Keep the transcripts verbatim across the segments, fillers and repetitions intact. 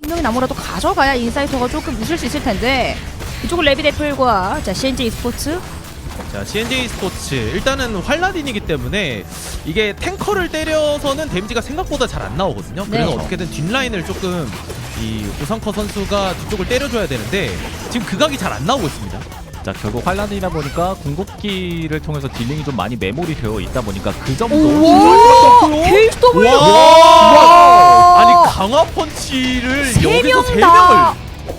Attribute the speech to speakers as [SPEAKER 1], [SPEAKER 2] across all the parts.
[SPEAKER 1] 한 명이 나무라도 가져가야 인사이터가 조금 웃을 수 있을 텐데 이쪽은 레비데플과 자 씨엔제이 스포츠.
[SPEAKER 2] 자, 씨엔제이 스포츠 일단은 활라딘이기 때문에 이게 탱커를 때려서는 데미지가 생각보다 잘 안 나오거든요.
[SPEAKER 1] 네.
[SPEAKER 2] 그래서 어떻게든 뒷라인을 조금 이 오상커 선수가 뒤쪽을 때려줘야 되는데 지금 그 각이 잘 안 나오고 있습니다.
[SPEAKER 3] 자, 결국 환란이다 보니까 궁극기를 통해서 딜링이 좀 많이 메모리 되어 있다 보니까 그 점도
[SPEAKER 1] 오, 케이스 더블.
[SPEAKER 2] 와! 아니 강화 펀치를 여기서 세 명을.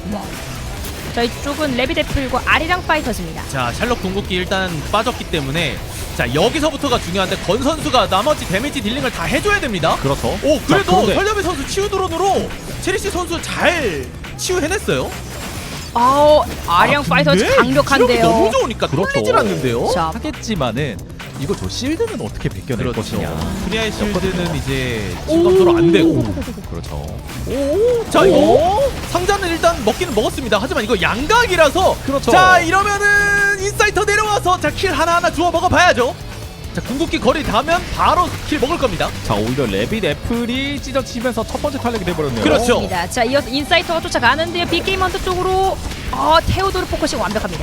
[SPEAKER 1] 자, 이쪽은 레비데플과 아리랑 파이터즈입니다.
[SPEAKER 2] 자, 샬럿 궁극기 일단 빠졌기 때문에 자, 여기서부터가 중요한데 건 선수가 나머지 데미지 딜링을 다 해줘야 됩니다.
[SPEAKER 3] 그렇죠.
[SPEAKER 2] 오, 그래도
[SPEAKER 3] 자, 그런데-
[SPEAKER 2] 설레비 선수 치유 드론으로 체리시 선수 잘 치유해냈어요.
[SPEAKER 1] 아우, 아리랑
[SPEAKER 2] 아,
[SPEAKER 1] 파이터즈
[SPEAKER 2] 근데
[SPEAKER 1] 강력한데요.
[SPEAKER 2] 지력이 너무 좋으니까
[SPEAKER 3] 그렇죠.
[SPEAKER 2] 뚫리질 않는데요.
[SPEAKER 1] 자,
[SPEAKER 3] 하겠지만은 이거 저 실드는 어떻게 벗겨낼
[SPEAKER 2] 그렇죠.
[SPEAKER 3] 것이냐.
[SPEAKER 2] 프리아의 실드는 이제 진검도로 안 되고.
[SPEAKER 3] 그렇죠.
[SPEAKER 2] 오, 자 이거 상자는 일단 먹기는 먹었습니다. 하지만 이거 양각이라서.
[SPEAKER 3] 그렇죠.
[SPEAKER 2] 자 이러면은 인사이터 내려와서 자 킬 하나 하나 주워 먹어봐야죠. 자 궁극기 거리 닿으면 바로 킬 먹을 겁니다.
[SPEAKER 3] 자, 오히려 레빗 애플이 찢어치면서 첫 번째 탄력이 돼버렸네요.
[SPEAKER 2] 그렇죠.
[SPEAKER 1] 입니다. 자, 이어서 인사이터가 쫓아가는데요. 빅게임 헌터 쪽으로 어, 테오도르 포커싱 완벽합니다.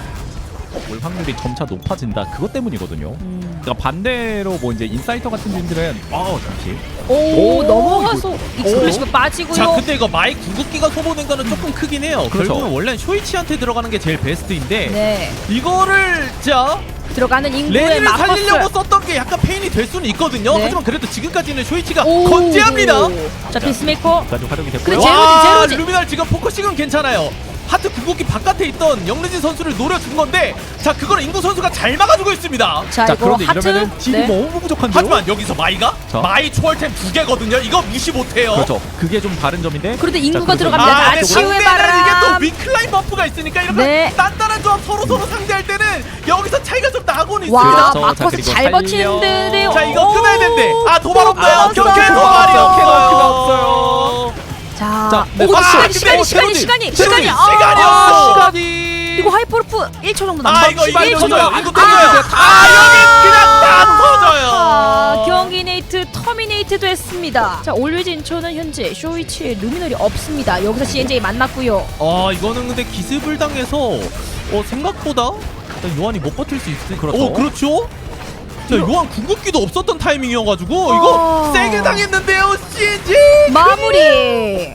[SPEAKER 3] 올 확률이 점차 높아진다. 그것 때문이거든요.
[SPEAKER 1] 음.
[SPEAKER 3] 그러니까 반대로 뭐 이제 인사이터 같은 팀들은 어 잠시
[SPEAKER 1] 오,
[SPEAKER 3] 오,
[SPEAKER 1] 넘어가서 익스플로시브 빠지고요.
[SPEAKER 2] 자 근데 이거 마이 궁극기가 소모된 거는 조금 크긴 해요.
[SPEAKER 3] 그렇죠.
[SPEAKER 2] 결국은 원래는 쇼이치한테 들어가는 게 제일 베스트인데
[SPEAKER 1] 네,
[SPEAKER 2] 이거를 자
[SPEAKER 1] 들어가는 인구에
[SPEAKER 2] 레니를 살리려고
[SPEAKER 1] 맞섰어요.
[SPEAKER 2] 썼던 게 약간 페인이 될 수는 있거든요.
[SPEAKER 1] 네.
[SPEAKER 2] 하지만 그래도 지금까지는 쇼이치가
[SPEAKER 1] 오.
[SPEAKER 2] 건재합니다.
[SPEAKER 1] 자, 피스메이커.
[SPEAKER 3] 까지 활용이 됐고요.
[SPEAKER 1] 그래, 제로지,
[SPEAKER 2] 와,
[SPEAKER 1] 제로지.
[SPEAKER 2] 루미널 지금 포커싱은 괜찮아요. 하트 궁극기 바깥에 있던 영르진 선수를 노려준 건데 자 그걸 인구 선수가 잘 막아주고 있습니다.
[SPEAKER 1] 자,
[SPEAKER 3] 자,
[SPEAKER 1] 이거
[SPEAKER 3] 그런데
[SPEAKER 1] 하트.
[SPEAKER 3] 이러면은 딜이
[SPEAKER 1] 네.
[SPEAKER 3] 너무 부족한데요.
[SPEAKER 2] 하지만 여기서 마이가
[SPEAKER 3] 자.
[SPEAKER 2] 마이 초월템 두 개거든요. 이거 무시 못해요.
[SPEAKER 3] 그렇죠. 그게 좀 다른 점인데.
[SPEAKER 1] 그런데 인구가
[SPEAKER 3] 자, 그래서
[SPEAKER 1] 들어갑니다.
[SPEAKER 2] 아,
[SPEAKER 1] 자,
[SPEAKER 2] 근데
[SPEAKER 1] 치유의
[SPEAKER 2] 상대는
[SPEAKER 1] 바람.
[SPEAKER 2] 이게 또 위클라인 버프가 있으니까 이렇게
[SPEAKER 1] 네.
[SPEAKER 2] 단단한 조합 서로 서로 상대할 때는 여기서 차이가 좀 나고는
[SPEAKER 1] 와,
[SPEAKER 2] 있습니다.
[SPEAKER 3] 그렇죠.
[SPEAKER 1] 마커스
[SPEAKER 3] 자, 그리고
[SPEAKER 1] 잘
[SPEAKER 3] 살려.
[SPEAKER 1] 버티는데요.
[SPEAKER 2] 자 이거 끊어야 된대. 아 도발 없어요.
[SPEAKER 1] 아,
[SPEAKER 2] 경쾌
[SPEAKER 1] 없어요.
[SPEAKER 2] 도발이
[SPEAKER 3] 없어요.
[SPEAKER 2] 없어요.
[SPEAKER 1] 자,
[SPEAKER 3] 자, 네,
[SPEAKER 1] 오,
[SPEAKER 3] 아,
[SPEAKER 1] 시간이,
[SPEAKER 2] 근데
[SPEAKER 1] 시간이,
[SPEAKER 2] 어,
[SPEAKER 1] 시간이,
[SPEAKER 2] 제로지.
[SPEAKER 1] 시간이,
[SPEAKER 2] 제로지.
[SPEAKER 1] 시간이,
[SPEAKER 2] 시간이
[SPEAKER 1] 아,
[SPEAKER 2] 없어.
[SPEAKER 3] 시간이
[SPEAKER 1] 이거 하이퍼루프 일 초 정도
[SPEAKER 2] 아
[SPEAKER 1] 남았.
[SPEAKER 2] 이거 이거
[SPEAKER 1] 일 초
[SPEAKER 2] 터져요.
[SPEAKER 1] 정도.
[SPEAKER 2] 이거 터져요. 아 여기 그냥 다 터져요.
[SPEAKER 1] 아, 경기네이트 터미네이트도 했습니다. 자, 올리즈 인초는 현재 쇼이치에 루미널이 없습니다. 여기서 씨엔제이 만났고요.
[SPEAKER 2] 아 이거는 근데 기습을 당해서 어 생각보다 일단 요한이 못 버틸 수 있을.
[SPEAKER 3] 그렇죠.
[SPEAKER 2] 오 그렇죠. 자 요한 궁극기도 없었던 타이밍이어가지고
[SPEAKER 1] 어.
[SPEAKER 2] 이거 세게 당했는데요. 씨엔지
[SPEAKER 1] 마무리.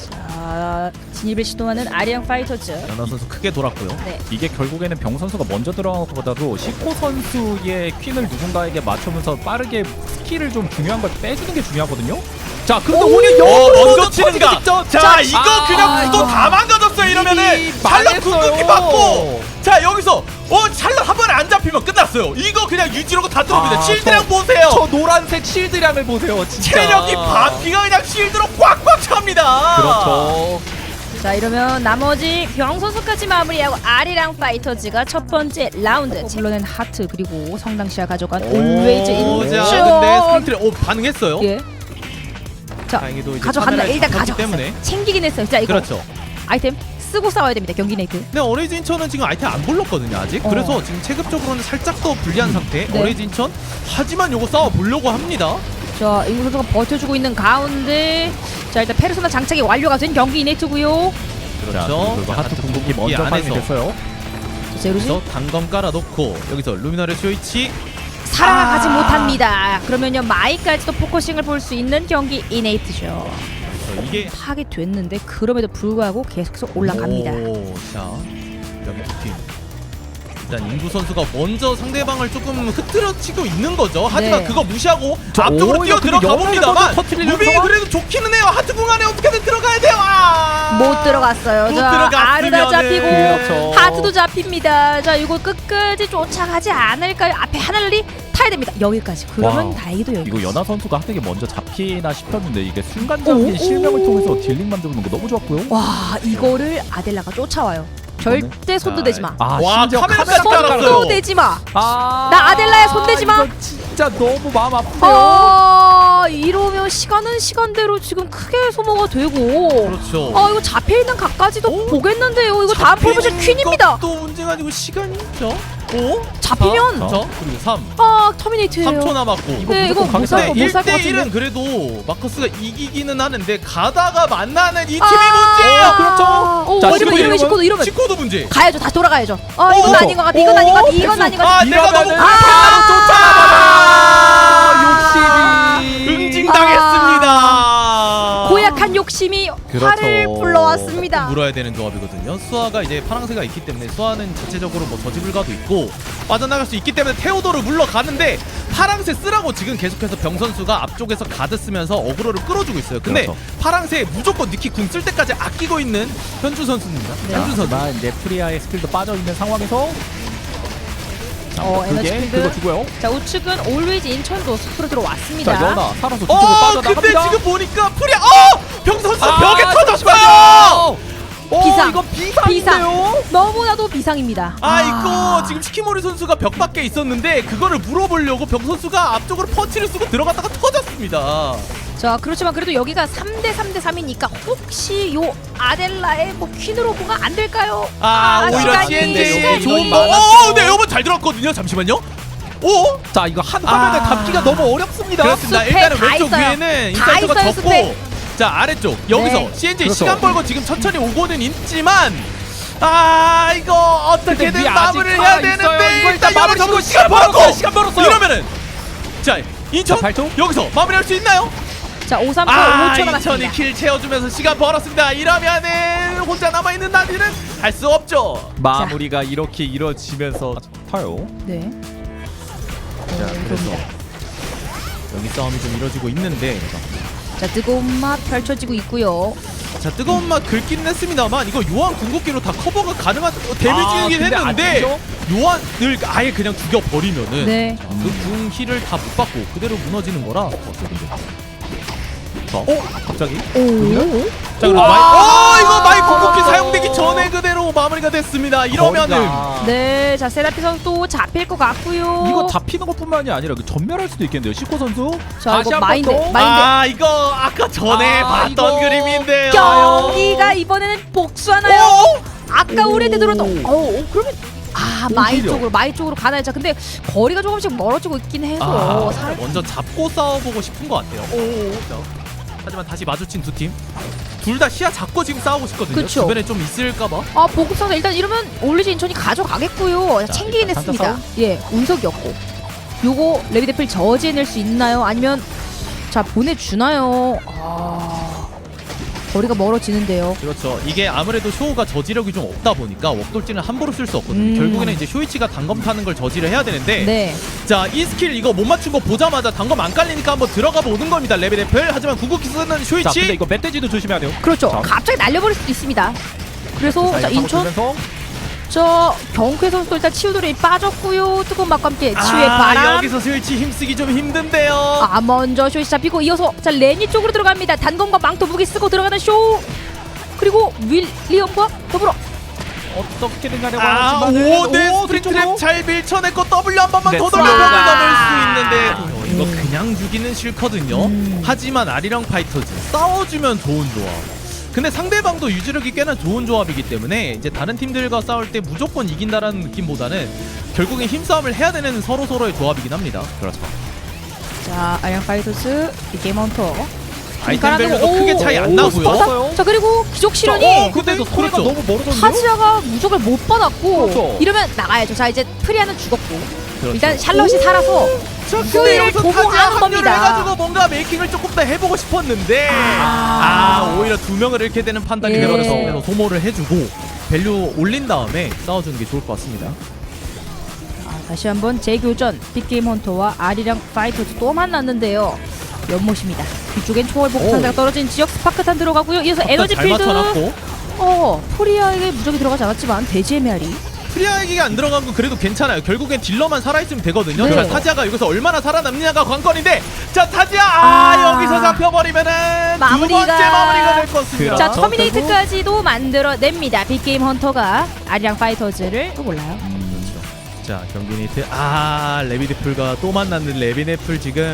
[SPEAKER 1] 자, 진입을 시도하는 아리앙 파이터즈.
[SPEAKER 2] 연하 선수 크게 돌았고요.
[SPEAKER 1] 네.
[SPEAKER 3] 이게 결국에는 병 선수가 먼저 들어간 것보다도 시코 선수의 퀸을 누군가에게 맞추면서 빠르게 스킬을 좀 중요한 걸 빼주는 게 중요하거든요. 자, 그런데
[SPEAKER 1] 오!
[SPEAKER 3] 오히려
[SPEAKER 2] 어
[SPEAKER 3] 역으로
[SPEAKER 2] 먼저
[SPEAKER 3] 먼저
[SPEAKER 2] 치는가.
[SPEAKER 3] 터지기 직전.
[SPEAKER 2] 자,
[SPEAKER 1] 자,
[SPEAKER 2] 이거
[SPEAKER 3] 아,
[SPEAKER 2] 그냥 구도
[SPEAKER 1] 이거.
[SPEAKER 2] 다 망가졌어요. 이러면은
[SPEAKER 3] 이미
[SPEAKER 2] 샬럿
[SPEAKER 3] 망했어요.
[SPEAKER 2] 궁극기 받고 자 여기서 어 샬럿 한 번에 안 잡히면 끝났어요. 이거 그냥 유지로고 다 들어옵니다.
[SPEAKER 3] 아,
[SPEAKER 2] 실드량
[SPEAKER 3] 저-
[SPEAKER 2] 보세요.
[SPEAKER 3] 저 노란색 실드량을 보세요. 진짜.
[SPEAKER 2] 체력이 반피가 그냥 실드로 꽉꽉 찹니다.
[SPEAKER 3] 그렇죠.
[SPEAKER 1] 자, 이러면 나머지 병 선수까지 마무리하고 아리랑 파이터즈가 첫 번째 라운드. 물론은 하트 그리고 성당시아 가져간 올웨이즈
[SPEAKER 2] 오,
[SPEAKER 1] 인쇼.
[SPEAKER 2] 자, 근데 스크린트를 오 반응했어요.
[SPEAKER 1] 예. 자,
[SPEAKER 2] 다행히도 이제
[SPEAKER 1] 가져간다.
[SPEAKER 2] 카메라에
[SPEAKER 1] 일단
[SPEAKER 2] 잡혔기
[SPEAKER 1] 가져갔어요.
[SPEAKER 2] 때문에.
[SPEAKER 1] 챙기긴 했어요. 자, 이거
[SPEAKER 2] 그렇죠.
[SPEAKER 1] 아이템 쓰고 싸워야 됩니다. 경기네이트.
[SPEAKER 2] 근데 어레이즈 인천은 지금 아이템 안 불렀거든요 아직.
[SPEAKER 1] 어.
[SPEAKER 2] 그래서 지금 체급적으로는 살짝 더 불리한 상태.
[SPEAKER 1] 네.
[SPEAKER 2] 어레이즈 인천. 하지만 요거 싸워 보려고 합니다.
[SPEAKER 1] 자, 인구 선수가 버텨주고 있는 가운데 자, 일단 페르소나 장착이 완료가 된 경기네이트고요.
[SPEAKER 2] 그렇죠.
[SPEAKER 3] 그리고 하트
[SPEAKER 2] 하트
[SPEAKER 3] 궁극기
[SPEAKER 2] 궁극기
[SPEAKER 3] 먼저
[SPEAKER 2] 안에서.
[SPEAKER 3] 파밍이 됐어요.
[SPEAKER 1] 자, 제로지
[SPEAKER 2] 그래서 단검 깔아놓고 여기서 루미나르 쇼이치.
[SPEAKER 1] 살아가지
[SPEAKER 2] 아.
[SPEAKER 1] 못합니다. 그러면요 마이까지도 포커싱을 볼 수 있는 경기 이네이트죠.
[SPEAKER 2] 그래서 이게
[SPEAKER 1] 파괴됐는데 그럼에도 불구하고 계속해서 올라갑니다.
[SPEAKER 2] 오, 자 여기 두 팀. 일단 인구 선수가 먼저 상대방을 조금 흐트러치고 있는 거죠. 하지만
[SPEAKER 1] 네.
[SPEAKER 2] 그거 무시하고
[SPEAKER 3] 저,
[SPEAKER 2] 앞쪽으로
[SPEAKER 3] 오,
[SPEAKER 2] 뛰어
[SPEAKER 3] 근데
[SPEAKER 2] 들어가
[SPEAKER 3] 연애를
[SPEAKER 2] 봅니다만
[SPEAKER 3] 먼저 터뜨리려고
[SPEAKER 2] 무빙이
[SPEAKER 3] 하다가?
[SPEAKER 2] 그래도 좋기는 해요. 하트 공 안에 어떻게든 들어가야 돼요. 아!
[SPEAKER 1] 못 들어갔어요.
[SPEAKER 2] 못
[SPEAKER 1] 자, 아르다
[SPEAKER 2] 들어갔으면은.
[SPEAKER 1] 잡히고
[SPEAKER 3] 그렇죠.
[SPEAKER 1] 하트도 잡힙니다. 자, 이거 끝까지 쫓아가지 않을까요? 앞에 하늘이 타야 됩니다. 여기까지. 그러면
[SPEAKER 3] 와우.
[SPEAKER 1] 다행히도 여기.
[SPEAKER 3] 이거 연하 선수가 하트게 먼저 잡히나 싶었는데 이게 순간적인
[SPEAKER 1] 오,
[SPEAKER 3] 실명을
[SPEAKER 1] 오.
[SPEAKER 3] 통해서 딜링 만드는 거 너무 좋았고요.
[SPEAKER 1] 와, 이거를 아델라가 쫓아와요. 절대 손도 대지 마.
[SPEAKER 3] 아,
[SPEAKER 2] 와,
[SPEAKER 3] 심지어
[SPEAKER 2] 카메라까지
[SPEAKER 3] 카메라
[SPEAKER 2] 깔았어요.
[SPEAKER 1] 손도 대지 마.
[SPEAKER 3] 아,
[SPEAKER 1] 나 아델라야, 손 대지 마.
[SPEAKER 3] 이거 진짜 너무 마음 아프네요.
[SPEAKER 1] 아, 이러면 시간은 시간대로 지금 크게 소모가 되고.
[SPEAKER 2] 그렇죠.
[SPEAKER 1] 아, 이거 잡혀 있는 각까지도
[SPEAKER 2] 오.
[SPEAKER 1] 보겠는데요. 이거 다음 포지션 퀸입니다.
[SPEAKER 2] 또 문제가 아니고 시간이 있죠. 오?
[SPEAKER 1] 잡히면
[SPEAKER 2] 사, 저 그리고 삼.
[SPEAKER 1] 아 터미네이트예요.
[SPEAKER 2] 삼 초 남았고.
[SPEAKER 3] 이거
[SPEAKER 1] 네, 이거
[SPEAKER 3] 무조건
[SPEAKER 1] 못 살
[SPEAKER 3] 강타.
[SPEAKER 1] 거
[SPEAKER 2] 근데
[SPEAKER 1] 못 살 것
[SPEAKER 2] 일 대
[SPEAKER 1] 같은데.
[SPEAKER 2] 일은 그래도 마커스가 이기기는 하는데 가다가 만나는 이 팀이
[SPEAKER 1] 아,
[SPEAKER 2] 문제예요.
[SPEAKER 3] 그렇죠.
[SPEAKER 1] 오,
[SPEAKER 3] 자,
[SPEAKER 1] 이러면
[SPEAKER 3] 십구,
[SPEAKER 1] 이러면 십구 도 이러면
[SPEAKER 2] 십구 도 문제.
[SPEAKER 1] 가야죠. 다시 돌아가야죠. 아 이건
[SPEAKER 2] 오,
[SPEAKER 1] 아닌 것 같아. 이건 아닌 것 같아. 이건 아닌 것 같아.
[SPEAKER 2] 아 내가 너무
[SPEAKER 3] 이러면은
[SPEAKER 2] 아,
[SPEAKER 3] 욕심이.
[SPEAKER 2] 응징당했습니다.
[SPEAKER 1] 고약한 욕심이
[SPEAKER 3] 그렇죠.
[SPEAKER 1] 화를 불러왔습니다.
[SPEAKER 2] 물어야 되는 조합이거든요. 수아가 이제 파랑새가 있기 때문에 수아는 자체적으로 뭐 저지불가도 있고 빠져나갈 수 있기 때문에 테오도를 물러가는데 파랑새 쓰라고 지금 계속해서 병 선수가 앞쪽에서 가드 쓰면서 어그로를 끌어주고 있어요. 근데
[SPEAKER 3] 그렇죠.
[SPEAKER 2] 파랑새 무조건 니키 궁 쓸 때까지 아끼고 있는 현준 선수입니다.
[SPEAKER 1] 네.
[SPEAKER 2] 현준 선수.
[SPEAKER 3] 하지만 이제 프리아의 스킬도 빠져 있는 상황에서
[SPEAKER 1] 어, 에너지
[SPEAKER 3] 그게
[SPEAKER 1] 필드.
[SPEAKER 3] 그거 주고요.
[SPEAKER 1] 자 우측은 올웨이즈 인천도 숲으로 들어왔습니다.
[SPEAKER 3] 자 연아 살아서 뒤쪽으로
[SPEAKER 2] 어
[SPEAKER 3] 빠져나갑니다.
[SPEAKER 2] 근데 지금 보니까 프리아 어! 병 선수
[SPEAKER 3] 아,
[SPEAKER 2] 벽에 터졌어요!
[SPEAKER 3] 잠시만요. 어,
[SPEAKER 1] 비상.
[SPEAKER 3] 이거 비상인데요.
[SPEAKER 1] 비상. 너무나도 비상입니다.
[SPEAKER 2] 아 이거 지금 시키모리 선수가 벽 밖에 있었는데 그거를 물어보려고 병 선수가 앞쪽으로 펀치를 쓰고 들어갔다가 터졌습니다.
[SPEAKER 1] 자 그렇지만 그래도 여기가 삼 대 삼 대 삼이니까 혹시 요 아델라의 뭐 퀸으로 뭐가 안 될까요?
[SPEAKER 2] 아, 오히려
[SPEAKER 1] 시간이,
[SPEAKER 2] 씨엔제이
[SPEAKER 1] 시간이.
[SPEAKER 2] 좋은 거.
[SPEAKER 3] 많았죠.
[SPEAKER 2] 오, 네 여러분 잘 들었거든요. 잠시만요. 오,
[SPEAKER 3] 자 이거 한 화면에
[SPEAKER 2] 아.
[SPEAKER 3] 담기가 너무 어렵습니다.
[SPEAKER 2] 그렇습니다.
[SPEAKER 1] 숲에
[SPEAKER 2] 일단은
[SPEAKER 1] 다
[SPEAKER 2] 왼쪽
[SPEAKER 1] 있어요.
[SPEAKER 2] 위에는
[SPEAKER 1] 다
[SPEAKER 2] 인사이드가
[SPEAKER 1] 있어요,
[SPEAKER 2] 적고,
[SPEAKER 1] 숲에.
[SPEAKER 2] 자 아래쪽 여기서
[SPEAKER 1] 네.
[SPEAKER 2] 씨엔제이
[SPEAKER 3] 그렇죠.
[SPEAKER 2] 시간 벌고 지금 천천히 오고는 있지만. 아 이거 어떻게든
[SPEAKER 3] 근데 위
[SPEAKER 2] 마무리를
[SPEAKER 3] 아직
[SPEAKER 2] 해야
[SPEAKER 3] 살아있어요.
[SPEAKER 2] 되는데
[SPEAKER 3] 이거 일단 마무리
[SPEAKER 2] 잡고
[SPEAKER 3] 짓고
[SPEAKER 2] 시간
[SPEAKER 3] 시간
[SPEAKER 2] 벌었고
[SPEAKER 3] 벌었어요. 시간 벌었어요.
[SPEAKER 2] 이러면은 자 인천
[SPEAKER 3] 자, 팔 초?
[SPEAKER 2] 여기서 마무리할 수 있나요?
[SPEAKER 1] 자 오 삼 초
[SPEAKER 2] 아
[SPEAKER 1] 오 초
[SPEAKER 2] 인천이
[SPEAKER 1] 남았습니다.
[SPEAKER 2] 킬 채워주면서 시간 벌었습니다. 이러면은 혼자 남아있는 나디는 할 수 없죠.
[SPEAKER 3] 마무리가 이렇게 이루어지면서 타요.
[SPEAKER 1] 네.
[SPEAKER 2] 자 그래서 여기 싸움이 좀 이루어지고 있는데
[SPEAKER 1] 자 뜨거운 맛 펼쳐지고 있고요.
[SPEAKER 2] 자 뜨거운 맛 긁기는 했습니다만 이거 요한 궁극기로 다 커버가 가능한 어, 데미지이긴
[SPEAKER 3] 아, 근데 안
[SPEAKER 2] 했는데
[SPEAKER 3] 죽죠?
[SPEAKER 2] 요한을 아예 그냥 죽여버리면은
[SPEAKER 1] 네.
[SPEAKER 2] 그궁 힐을 다 못 받고 그대로 무너지는 거라
[SPEAKER 3] 어? 갑자기?
[SPEAKER 1] 오.
[SPEAKER 2] 자 그럼 마이 어 이거 마이 궁극기 사용되기 전에 그대로 마무리가 됐습니다. 이러면은
[SPEAKER 3] 거리가.
[SPEAKER 1] 네, 자 세라피 선수 잡힐 것 같고요.
[SPEAKER 3] 이거 잡히는 것뿐만이 아니라 그 전멸할 수도 있겠는데요. 시코 선수.
[SPEAKER 1] 자
[SPEAKER 3] 다시
[SPEAKER 1] 이거
[SPEAKER 3] 한번
[SPEAKER 1] 마인드
[SPEAKER 3] 더.
[SPEAKER 1] 마인드
[SPEAKER 2] 아 이거 아까 전에
[SPEAKER 3] 아,
[SPEAKER 2] 봤던
[SPEAKER 3] 이거
[SPEAKER 2] 그림인데요.
[SPEAKER 1] 경기가 이번에는 복수하나요?
[SPEAKER 2] 어?
[SPEAKER 1] 아까
[SPEAKER 3] 오.
[SPEAKER 1] 우리한테 들어도 어 그러면 아 마이
[SPEAKER 3] 오히려.
[SPEAKER 1] 쪽으로 마이 쪽으로 가나요? 자 근데 거리가 조금씩 멀어지고 있긴 해서
[SPEAKER 2] 아,
[SPEAKER 1] 살...
[SPEAKER 2] 먼저 잡고 싸워보고 싶은 것 같아요. 오. 하지만 다시 마주친 두 팀. 둘 다 시야 잡고 지금 싸우고 싶거든요.
[SPEAKER 1] 그쵸.
[SPEAKER 2] 주변에 좀 있을까봐.
[SPEAKER 1] 아 보급선수 일단 이러면 올리즈 인천이 가져가겠고요.
[SPEAKER 2] 자,
[SPEAKER 1] 챙기긴
[SPEAKER 3] 일단
[SPEAKER 1] 했습니다.
[SPEAKER 3] 한타
[SPEAKER 1] 예, 운석이었고. 요거 레비데필 저지해낼 수 있나요? 아니면 자 보내주나요? 아 거리가 멀어지는데요.
[SPEAKER 2] 그렇죠. 이게 아무래도 쇼우가 저지력이 좀 없다 보니까 웍돌진을 함부로 쓸 수 없거든요.
[SPEAKER 1] 음.
[SPEAKER 2] 결국에는 이제 쇼이치가 단검 타는 걸 저지를 해야 되는데
[SPEAKER 1] 네.
[SPEAKER 2] 자, 이 스킬 이거 못 맞춘 거 보자마자 단검 안 깔리니까 한번 들어가 보는 겁니다. 레벨 애플. 하지만 궁극기 쓰는
[SPEAKER 3] 자, 근데
[SPEAKER 2] 쇼이치.
[SPEAKER 3] 이거 멧돼지도 조심해야 돼요.
[SPEAKER 1] 그렇죠.
[SPEAKER 3] 자.
[SPEAKER 1] 갑자기 날려버릴 수도 있습니다. 그래서 자
[SPEAKER 3] 사이드
[SPEAKER 1] 인천
[SPEAKER 3] 타고
[SPEAKER 1] 저 경쾌 선수도 일단 치유돌이 빠졌고요. 뜨거운 맛과 함께 치유의
[SPEAKER 2] 아,
[SPEAKER 1] 바람.
[SPEAKER 2] 여기서 쇼이치 힘쓰기 좀 힘든데요.
[SPEAKER 1] 아 먼저 쇼이 잡히고 이어서 자 레니 쪽으로 들어갑니다. 단검과 망토 무기 쓰고 들어가는 쇼. 그리고 윌리엄과 더불어
[SPEAKER 3] 어떻게든 간에
[SPEAKER 2] 아,
[SPEAKER 3] 원하지만은
[SPEAKER 2] 오, 네,
[SPEAKER 3] 오,
[SPEAKER 2] 스프링
[SPEAKER 3] 뒤쪽으로.
[SPEAKER 2] 트랩 잘 밀쳐냈고 W 한 번만
[SPEAKER 3] 네,
[SPEAKER 2] 더 돌려보면
[SPEAKER 1] 와.
[SPEAKER 2] 넘을 수 있는데 어, 이거
[SPEAKER 1] 음.
[SPEAKER 2] 그냥 죽이는 싫거든요.
[SPEAKER 1] 음.
[SPEAKER 2] 하지만 아리랑 파이터즈 싸워주면 좋은 조합. 근데 상대방도 유지력이 꽤나 좋은 조합이기 때문에 이제 다른 팀들과 싸울 때 무조건 이긴다라는 느낌보다는 결국엔 힘싸움을 해야 되는 서로 서로의 조합이긴 합니다.
[SPEAKER 3] 그렇죠.
[SPEAKER 1] 자 아이언 파이터스 이 게임 헌터
[SPEAKER 2] 아이템 밸류도 크게 차이 안 나고요.
[SPEAKER 3] 오,
[SPEAKER 1] 자 그리고 기적 실현이
[SPEAKER 2] 어,
[SPEAKER 3] 근데도
[SPEAKER 2] 그렇죠.
[SPEAKER 3] 소리가 너무 멀어졌는데요?
[SPEAKER 1] 타지아가 무적을 못 받았고
[SPEAKER 3] 그렇죠.
[SPEAKER 1] 이러면 나가야죠. 자 이제 프리아는 죽었고
[SPEAKER 2] 그렇죠.
[SPEAKER 1] 일단 샬럿이 살아서
[SPEAKER 2] 자,
[SPEAKER 1] 후회를
[SPEAKER 2] 근데 여기서
[SPEAKER 1] 보고
[SPEAKER 2] 타지아
[SPEAKER 1] 하는
[SPEAKER 2] 합류를
[SPEAKER 1] 겁니다.
[SPEAKER 2] 해가지고 뭔가 메이킹을 조금 더 해보고 싶었는데
[SPEAKER 1] 아.
[SPEAKER 2] 아, 오히려 두 명을 잃게 되는 판단이
[SPEAKER 1] 예.
[SPEAKER 2] 되어서 소모를 해주고 밸류 올린 다음에 싸워주는 게 좋을 것 같습니다.
[SPEAKER 1] 아, 다시 한번 재교전 빅게임 헌터와 아리랑 파이터즈 또 만났는데요. 연못입니다. 뒤쪽엔 초월 복구 상자가 떨어진 지역 스파크탄 들어가고요. 이어서 에너지
[SPEAKER 2] 잘
[SPEAKER 1] 필드.
[SPEAKER 2] 맞춰놨고
[SPEAKER 1] 어 프리아에게 무적이 들어가지 않았지만 돼지의 메아리.
[SPEAKER 2] 프리아에게 안 들어간 건 그래도 괜찮아요. 결국엔 딜러만 살아있으면 되거든요.
[SPEAKER 1] 네.
[SPEAKER 2] 그러니까 타지아가 여기서 얼마나 살아남느냐가 관건인데 자 타지아 아,
[SPEAKER 1] 아.
[SPEAKER 2] 여기서 잡혀버리면은
[SPEAKER 1] 마무리가-
[SPEAKER 2] 두 번째 마무리가 될 것 같습니다.
[SPEAKER 1] 자
[SPEAKER 3] 그렇죠.
[SPEAKER 1] 터미네이트까지도 만들어냅니다. 빅게임 헌터가 아리랑 파이터즈를 또 몰라요.
[SPEAKER 2] 자 경기 니트 아 레비네플과 또 만났는 레비네플 지금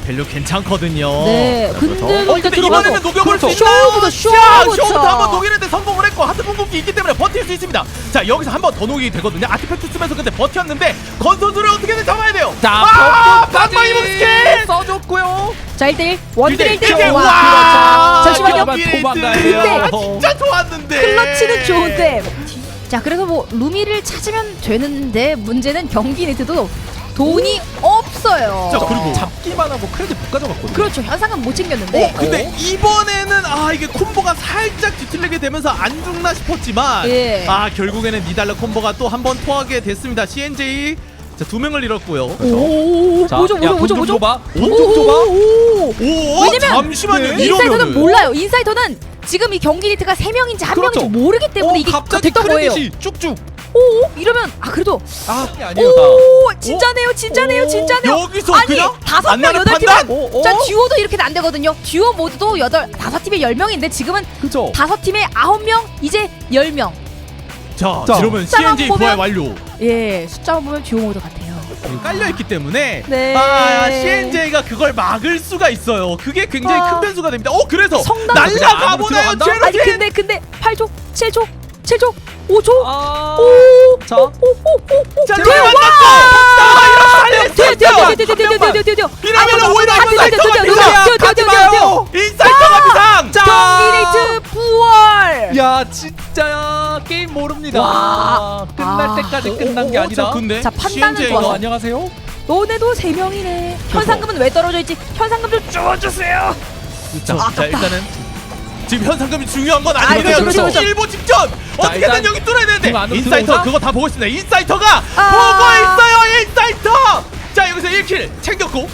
[SPEAKER 2] 밸류 괜찮거든요.
[SPEAKER 1] 네,
[SPEAKER 3] 자,
[SPEAKER 1] 근데도
[SPEAKER 2] 어,
[SPEAKER 1] 일단
[SPEAKER 2] 근데
[SPEAKER 1] 들어가고
[SPEAKER 2] 이번에는 녹여볼 수
[SPEAKER 3] 그렇죠.
[SPEAKER 2] 있나요?
[SPEAKER 1] 쇼부터,
[SPEAKER 2] 자,
[SPEAKER 1] 쇼부터.
[SPEAKER 2] 쇼부터 한번 녹이는데 성공을 했고 하트 궁극기 있기 때문에 버틸 수 있습니다. 자, 여기서 한 번 더 녹이게 되거든요. 아티팩트 쓰면서 근데 버텼는데 건선수를 어떻게든 잡아야 돼요.
[SPEAKER 3] 자,
[SPEAKER 2] 아,
[SPEAKER 3] 벽까지
[SPEAKER 2] 반방이 스킬!
[SPEAKER 3] 써줬고요.
[SPEAKER 1] 자 일 대 일 원딜 일 대 일.
[SPEAKER 2] 일 대 일.
[SPEAKER 1] 와.
[SPEAKER 2] 와,
[SPEAKER 1] 잠시만요.
[SPEAKER 3] 도망가야
[SPEAKER 1] 근데
[SPEAKER 3] 돼요.
[SPEAKER 2] 진짜 좋았는데.
[SPEAKER 1] 클러치는 좋은데. 자 그래서 뭐 루미를 찾으면 되는데 문제는 경기 네트도 돈이 없어요.
[SPEAKER 2] 자, 그리고
[SPEAKER 3] 잡기만 하고 크레딧 못 가져갔거든요.
[SPEAKER 1] 그렇죠. 현상은 못 챙겼는데.
[SPEAKER 2] 어, 근데 이번에는 아 이게 콤보가 살짝 뒤틀리게 되면서 안 죽나 싶었지만
[SPEAKER 1] 예.
[SPEAKER 2] 아 결국에는 니달라 콤보가 또 한 번 토하게 됐습니다. 씨엔제이 자 두 명을 잃었고요.
[SPEAKER 1] 오,
[SPEAKER 3] 자,
[SPEAKER 1] 뭐죠,
[SPEAKER 3] 야,
[SPEAKER 1] 뭐죠,
[SPEAKER 3] 돈
[SPEAKER 1] 뭐죠,
[SPEAKER 3] 좀
[SPEAKER 1] 뭐죠?
[SPEAKER 3] 줘봐.
[SPEAKER 1] 오,
[SPEAKER 3] 돈 좀 줘봐.
[SPEAKER 1] 오, 오.
[SPEAKER 2] 오
[SPEAKER 1] 왜냐면
[SPEAKER 2] 잠시만요.
[SPEAKER 3] 네.
[SPEAKER 1] 인사이터는
[SPEAKER 2] 이러면은
[SPEAKER 1] 몰라요. 인사이터는 지금 이 경기 리트가 세 명인지 한
[SPEAKER 3] 그렇죠.
[SPEAKER 1] 명인지 모르기 때문에 이게
[SPEAKER 3] 갑자기
[SPEAKER 1] 됐던 거예요.
[SPEAKER 3] 크레딧이 쭉쭉.
[SPEAKER 1] 오, 이러면 아 그래도
[SPEAKER 3] 아, 이게 아니에요, 다.
[SPEAKER 1] 오, 진짜네요, 진짜네요,
[SPEAKER 3] 오,
[SPEAKER 1] 진짜네요.
[SPEAKER 2] 여기서
[SPEAKER 1] 아니
[SPEAKER 2] 그냥
[SPEAKER 1] 다섯 명
[SPEAKER 2] 안나를
[SPEAKER 1] 여덟
[SPEAKER 2] 판단?
[SPEAKER 1] 팀은
[SPEAKER 3] 오, 오.
[SPEAKER 1] 자 듀오도 이렇게는 안 되거든요. 듀오 모두도 여덟 다섯 팀에 열 명인데 지금은
[SPEAKER 3] 그죠?
[SPEAKER 1] 다섯 팀에 아홉 명 이제 열 명.
[SPEAKER 2] 자,
[SPEAKER 3] 자,
[SPEAKER 2] 이러면
[SPEAKER 1] 숫자만
[SPEAKER 2] 씨엔제이
[SPEAKER 1] 보면-
[SPEAKER 2] 부활 완료.
[SPEAKER 1] 예, 숫자만 보면 듀오 모드 같아요.
[SPEAKER 2] 깔려 있기 때문에
[SPEAKER 1] 네.
[SPEAKER 2] 아 씨엔제이가 그걸 막을 수가 있어요. 그게 굉장히
[SPEAKER 1] 아.
[SPEAKER 2] 큰 변수가 됩니다. 어 그래서
[SPEAKER 1] 성당
[SPEAKER 2] 날라가
[SPEAKER 3] 안으로
[SPEAKER 2] 보나요,
[SPEAKER 3] 들어간다?
[SPEAKER 2] 제로진?
[SPEAKER 1] 아니 근데 근데 팔 초, 칠 초, 칠 초, 오 초,
[SPEAKER 3] 아.
[SPEAKER 1] 오,
[SPEAKER 3] 자.
[SPEAKER 1] 오, 오, 오, 오,
[SPEAKER 2] 자,
[SPEAKER 1] 돼,
[SPEAKER 2] 제로
[SPEAKER 1] 와!
[SPEAKER 2] 만났어.
[SPEAKER 1] 돼요, 돼요, 돼요, 돼요, 돼요, 돼요, 돼요, 돼요, 돼요.
[SPEAKER 2] 이러면 오히려
[SPEAKER 1] 안 돼요, 돼요,
[SPEAKER 2] 인사이터가
[SPEAKER 1] 돼요, 돼요,
[SPEAKER 2] 비상.
[SPEAKER 1] 돼요, 돼요, 돼요, 돼요.
[SPEAKER 2] 인사이터가 비상.
[SPEAKER 1] 경기네이트 부활.
[SPEAKER 3] 야, 진짜 게임 모릅니다.
[SPEAKER 1] 와.
[SPEAKER 3] 아, 끝날
[SPEAKER 1] 아.
[SPEAKER 3] 때까지
[SPEAKER 2] 어,
[SPEAKER 3] 끝난
[SPEAKER 2] 어,
[SPEAKER 3] 게
[SPEAKER 2] 어,
[SPEAKER 3] 아니다.
[SPEAKER 2] 자, 근데
[SPEAKER 1] 자, 판단은
[SPEAKER 2] 씨엔제이가
[SPEAKER 1] 좋았어.
[SPEAKER 3] 어, 안녕하세요.
[SPEAKER 1] 너네도 세 명이네. 현상금은 왜 떨어져 있지? 현상금 좀 주워주세요.
[SPEAKER 2] 자,
[SPEAKER 1] 아,
[SPEAKER 2] 자
[SPEAKER 1] 아깝다.
[SPEAKER 2] 일단은 지금 현상금이 중요한 건
[SPEAKER 1] 아,
[SPEAKER 2] 아니거든요.
[SPEAKER 1] 그렇죠, 그렇죠, 그렇죠.
[SPEAKER 2] 일보 직전 어떻게든
[SPEAKER 3] 일단
[SPEAKER 2] 여기 뚫어야 되는데
[SPEAKER 3] 공 안으로
[SPEAKER 2] 인사이터
[SPEAKER 3] 들어오나?
[SPEAKER 2] 그거 다 보고 있습니다. 인사이터가
[SPEAKER 1] 아.
[SPEAKER 2] 보고 있어요. 인사이터. 자 여기서 일 킬 챙겼고.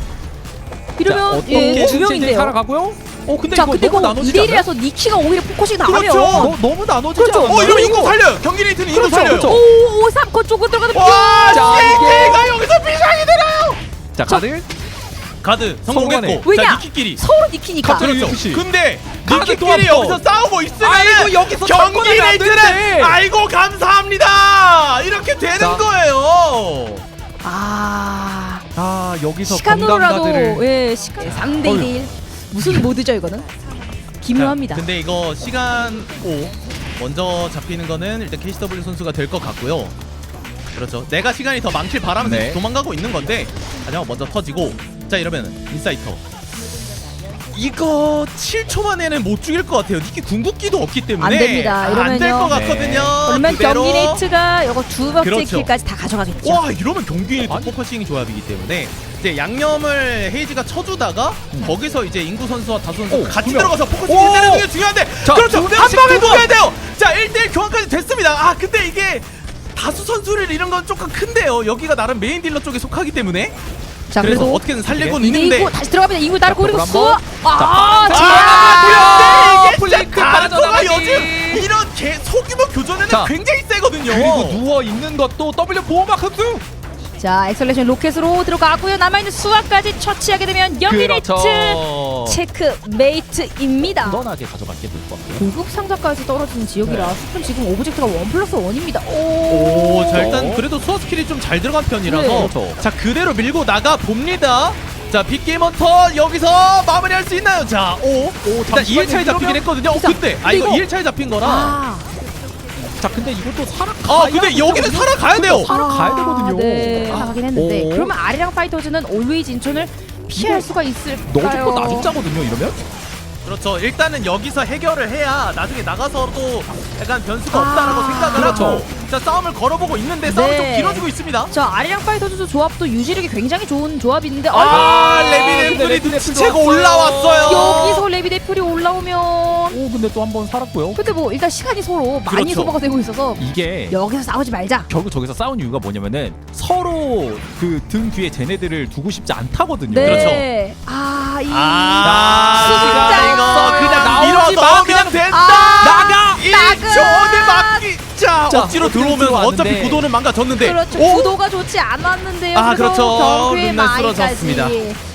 [SPEAKER 1] 이러면 예, 두 명인데요.
[SPEAKER 3] 살아가고요. 어, 근데
[SPEAKER 1] 자,
[SPEAKER 3] 이거
[SPEAKER 1] 근데
[SPEAKER 3] 너무
[SPEAKER 1] 이거
[SPEAKER 3] 나눠지지
[SPEAKER 1] 이 대
[SPEAKER 3] 않아요?
[SPEAKER 1] 일이라서 니키가 오히려 포커싱 나가면
[SPEAKER 2] 그렇죠.
[SPEAKER 3] 너, 너무 나눠지지
[SPEAKER 1] 그렇죠.
[SPEAKER 3] 않았나요?
[SPEAKER 2] 어 이러면 인구 살려요. 경기 레이트는 인구
[SPEAKER 3] 그렇죠,
[SPEAKER 2] 살려요.
[SPEAKER 3] 그렇죠.
[SPEAKER 1] 오, 오, 삼 거 쪽으로 들어가는
[SPEAKER 2] 와
[SPEAKER 3] 자,
[SPEAKER 2] 씨엔제이가 여기서 비상이 들어요.
[SPEAKER 3] 자, 카드.
[SPEAKER 2] 가드 성공했고.
[SPEAKER 3] 성공하네.
[SPEAKER 1] 왜냐?
[SPEAKER 2] 자 니키끼리.
[SPEAKER 1] 서로 니키니까.
[SPEAKER 3] 갑자기
[SPEAKER 2] 그렇죠.
[SPEAKER 3] 유에프씨.
[SPEAKER 2] 근데
[SPEAKER 3] 카드 또
[SPEAKER 2] 니키끼리
[SPEAKER 3] 한 번.
[SPEAKER 2] 여기서 싸우고 있으면
[SPEAKER 3] 아이고, 여기서
[SPEAKER 2] 경기
[SPEAKER 3] 접근하면 안
[SPEAKER 2] 레이트는
[SPEAKER 3] 되는데.
[SPEAKER 2] 아이고 감사합니다. 이렇게 되는
[SPEAKER 3] 자.
[SPEAKER 2] 거예요.
[SPEAKER 1] 아,
[SPEAKER 3] 아, 여기서
[SPEAKER 1] 시간으로라도
[SPEAKER 3] 건강가드를.
[SPEAKER 1] 예, 시간 삼 대 이 대 일. 무슨 모드죠 이거는? 기묘합니다.
[SPEAKER 2] 자, 근데 이거 시간 오 먼저 잡히는 거는 일단 케이씨더블유 선수가 될 것 같고요. 그렇죠. 내가 시간이 더 많길 바라면서
[SPEAKER 3] 네.
[SPEAKER 2] 도망가고 있는 건데 하지만 먼저 터지고 자 이러면 인사이터 이거 칠 초 만에는 못 죽일 것 같아요. 니키 궁극기도 없기 때문에
[SPEAKER 1] 안 됩니다.
[SPEAKER 2] 안 될
[SPEAKER 1] 이러면요.
[SPEAKER 2] 것
[SPEAKER 3] 네.
[SPEAKER 2] 같거든요.
[SPEAKER 1] 그러면
[SPEAKER 2] 그대로.
[SPEAKER 1] 경기 네이트가 이거 두 번째
[SPEAKER 2] 그렇죠.
[SPEAKER 1] 킬까지 다 가져가겠죠.
[SPEAKER 2] 와 이러면 경기에
[SPEAKER 3] 아니.
[SPEAKER 2] 포커싱 조합이기 때문에 이제 양념을 헤이지가 쳐주다가
[SPEAKER 3] 음.
[SPEAKER 2] 거기서 이제 인구 선수와 다수 선수
[SPEAKER 3] 오,
[SPEAKER 2] 같이
[SPEAKER 3] 두 명.
[SPEAKER 2] 들어가서 포커싱
[SPEAKER 3] 오!
[SPEAKER 2] 해내는 게 중요한데
[SPEAKER 3] 자,
[SPEAKER 2] 그렇죠
[SPEAKER 3] 두
[SPEAKER 2] 한
[SPEAKER 3] 명씩
[SPEAKER 2] 방에
[SPEAKER 3] 두 번.
[SPEAKER 2] 녹여야 돼요. 자 일 대 일 교환까지 됐습니다. 아 근데 이게 다수 선수를 잃은 건 조금 큰데요. 여기가 나름 메인 딜러 쪽에 속하기 때문에
[SPEAKER 1] 자,
[SPEAKER 2] 그래서
[SPEAKER 1] 그래도
[SPEAKER 2] 어떻게는 살리고는
[SPEAKER 1] 이대
[SPEAKER 2] 있는데
[SPEAKER 1] 이고 다시 들어갑니다. 이구 따르고
[SPEAKER 3] 자,
[SPEAKER 1] 그리고
[SPEAKER 3] 볼
[SPEAKER 1] 수.
[SPEAKER 3] 한번.
[SPEAKER 1] 아,
[SPEAKER 3] 자,
[SPEAKER 1] 자,
[SPEAKER 2] 아, 이게
[SPEAKER 3] 플랭크
[SPEAKER 2] 진짜 다르토가
[SPEAKER 3] 빠져나가기.
[SPEAKER 2] 요즘 이런 개 소규모 교전에는
[SPEAKER 3] 자,
[SPEAKER 2] 굉장히 세거든요.
[SPEAKER 3] 그리고 누워 있는 것도 W 보호막 흡수.
[SPEAKER 1] 자, 엑셀레이션 로켓으로 들어가고요. 남아있는 수화까지 처치하게 되면 경기
[SPEAKER 3] 그렇죠.
[SPEAKER 1] 네이트 체크메이트입니다.
[SPEAKER 3] 무난하게 가져가게 될 것 같고요.
[SPEAKER 1] 고급 상자까지 떨어지는 지역이라
[SPEAKER 3] 네.
[SPEAKER 1] 스푼 지금 오브젝트가 원 플러스 원입니다.
[SPEAKER 2] 오,
[SPEAKER 1] 오,
[SPEAKER 2] 자 일단 그래도 수어 스킬이 좀 잘 들어간 편이라서
[SPEAKER 1] 네.
[SPEAKER 3] 그렇죠.
[SPEAKER 2] 자 그대로 밀고 나가 봅니다. 자 빅게임 헌터 여기서 마무리할 수 있나요? 자, 오,
[SPEAKER 3] 오,
[SPEAKER 2] 일단 이 일 차에 잡히긴 했거든요. 어,
[SPEAKER 1] 진짜.
[SPEAKER 2] 근데 아
[SPEAKER 1] 근데
[SPEAKER 2] 이거
[SPEAKER 1] 이거-
[SPEAKER 2] 이 일 차에 잡힌 거라.
[SPEAKER 1] 아,
[SPEAKER 3] 자, 근데 이것도 살아.
[SPEAKER 2] 아 근데 여기는 살아가야 돼요.
[SPEAKER 3] 살아 가야 되거든요.
[SPEAKER 1] 네,
[SPEAKER 3] 아,
[SPEAKER 1] 나가긴 했는데
[SPEAKER 3] 오.
[SPEAKER 1] 그러면 아리랑 파이터즈는 올웨이즈 인천을 피할
[SPEAKER 3] 이거
[SPEAKER 1] 수가 있을까요?
[SPEAKER 3] 너 죽고 나 죽자거든요, 이러면?
[SPEAKER 2] 그렇죠. 일단은 여기서 해결을 해야 나중에 나가서도 약간 변수가
[SPEAKER 1] 아,
[SPEAKER 2] 없다라고 생각을
[SPEAKER 3] 그렇죠.
[SPEAKER 2] 하고 자 싸움을 걸어보고 있는데 싸움이 좀
[SPEAKER 1] 네.
[SPEAKER 2] 길어지고 있습니다.
[SPEAKER 1] 저 아리랑 파이터즈 조합도 유지력이 굉장히 좋은 조합인데
[SPEAKER 2] 아,
[SPEAKER 1] 아이고,
[SPEAKER 2] 레비덴
[SPEAKER 3] 근데
[SPEAKER 2] 풀이
[SPEAKER 3] 레비덴
[SPEAKER 2] 눈치채고
[SPEAKER 3] 풀이
[SPEAKER 2] 올라왔어요.
[SPEAKER 1] 여기서 레비데풀이 올라오면
[SPEAKER 3] 오, 근데 또 한 번 살았고요.
[SPEAKER 1] 근데 뭐 일단 시간이 서로 많이
[SPEAKER 2] 그렇죠.
[SPEAKER 1] 소모가 되고 있어서
[SPEAKER 3] 이게
[SPEAKER 1] 여기서 싸우지 말자.
[SPEAKER 3] 결국 저기서 싸운 이유가 뭐냐면은 서로 그 등 뒤에 쟤네들을 두고 싶지 않다거든요.
[SPEAKER 1] 네.
[SPEAKER 2] 그렇죠.
[SPEAKER 1] 아, 이
[SPEAKER 2] 아,
[SPEAKER 1] 수직자.
[SPEAKER 2] 이거 그냥
[SPEAKER 3] 나오지
[SPEAKER 2] 밀어
[SPEAKER 3] 마,
[SPEAKER 2] 넣으면
[SPEAKER 3] 그냥
[SPEAKER 2] 된다.
[SPEAKER 1] 아,
[SPEAKER 3] 나가!
[SPEAKER 2] 이
[SPEAKER 1] 나가!
[SPEAKER 2] 조언을 막기. 자,
[SPEAKER 3] 자,
[SPEAKER 2] 억지로
[SPEAKER 3] 억지로
[SPEAKER 2] 들어오면
[SPEAKER 3] 들어왔는데.
[SPEAKER 2] 어차피 구도는 망가졌는데.
[SPEAKER 1] 그렇죠.
[SPEAKER 2] 오?
[SPEAKER 1] 구도가 좋지 않았는데요.
[SPEAKER 2] 아,
[SPEAKER 1] 그래도
[SPEAKER 2] 그렇죠.
[SPEAKER 1] 경기의
[SPEAKER 2] 룬날 쓰러졌습니다.
[SPEAKER 1] 마이까지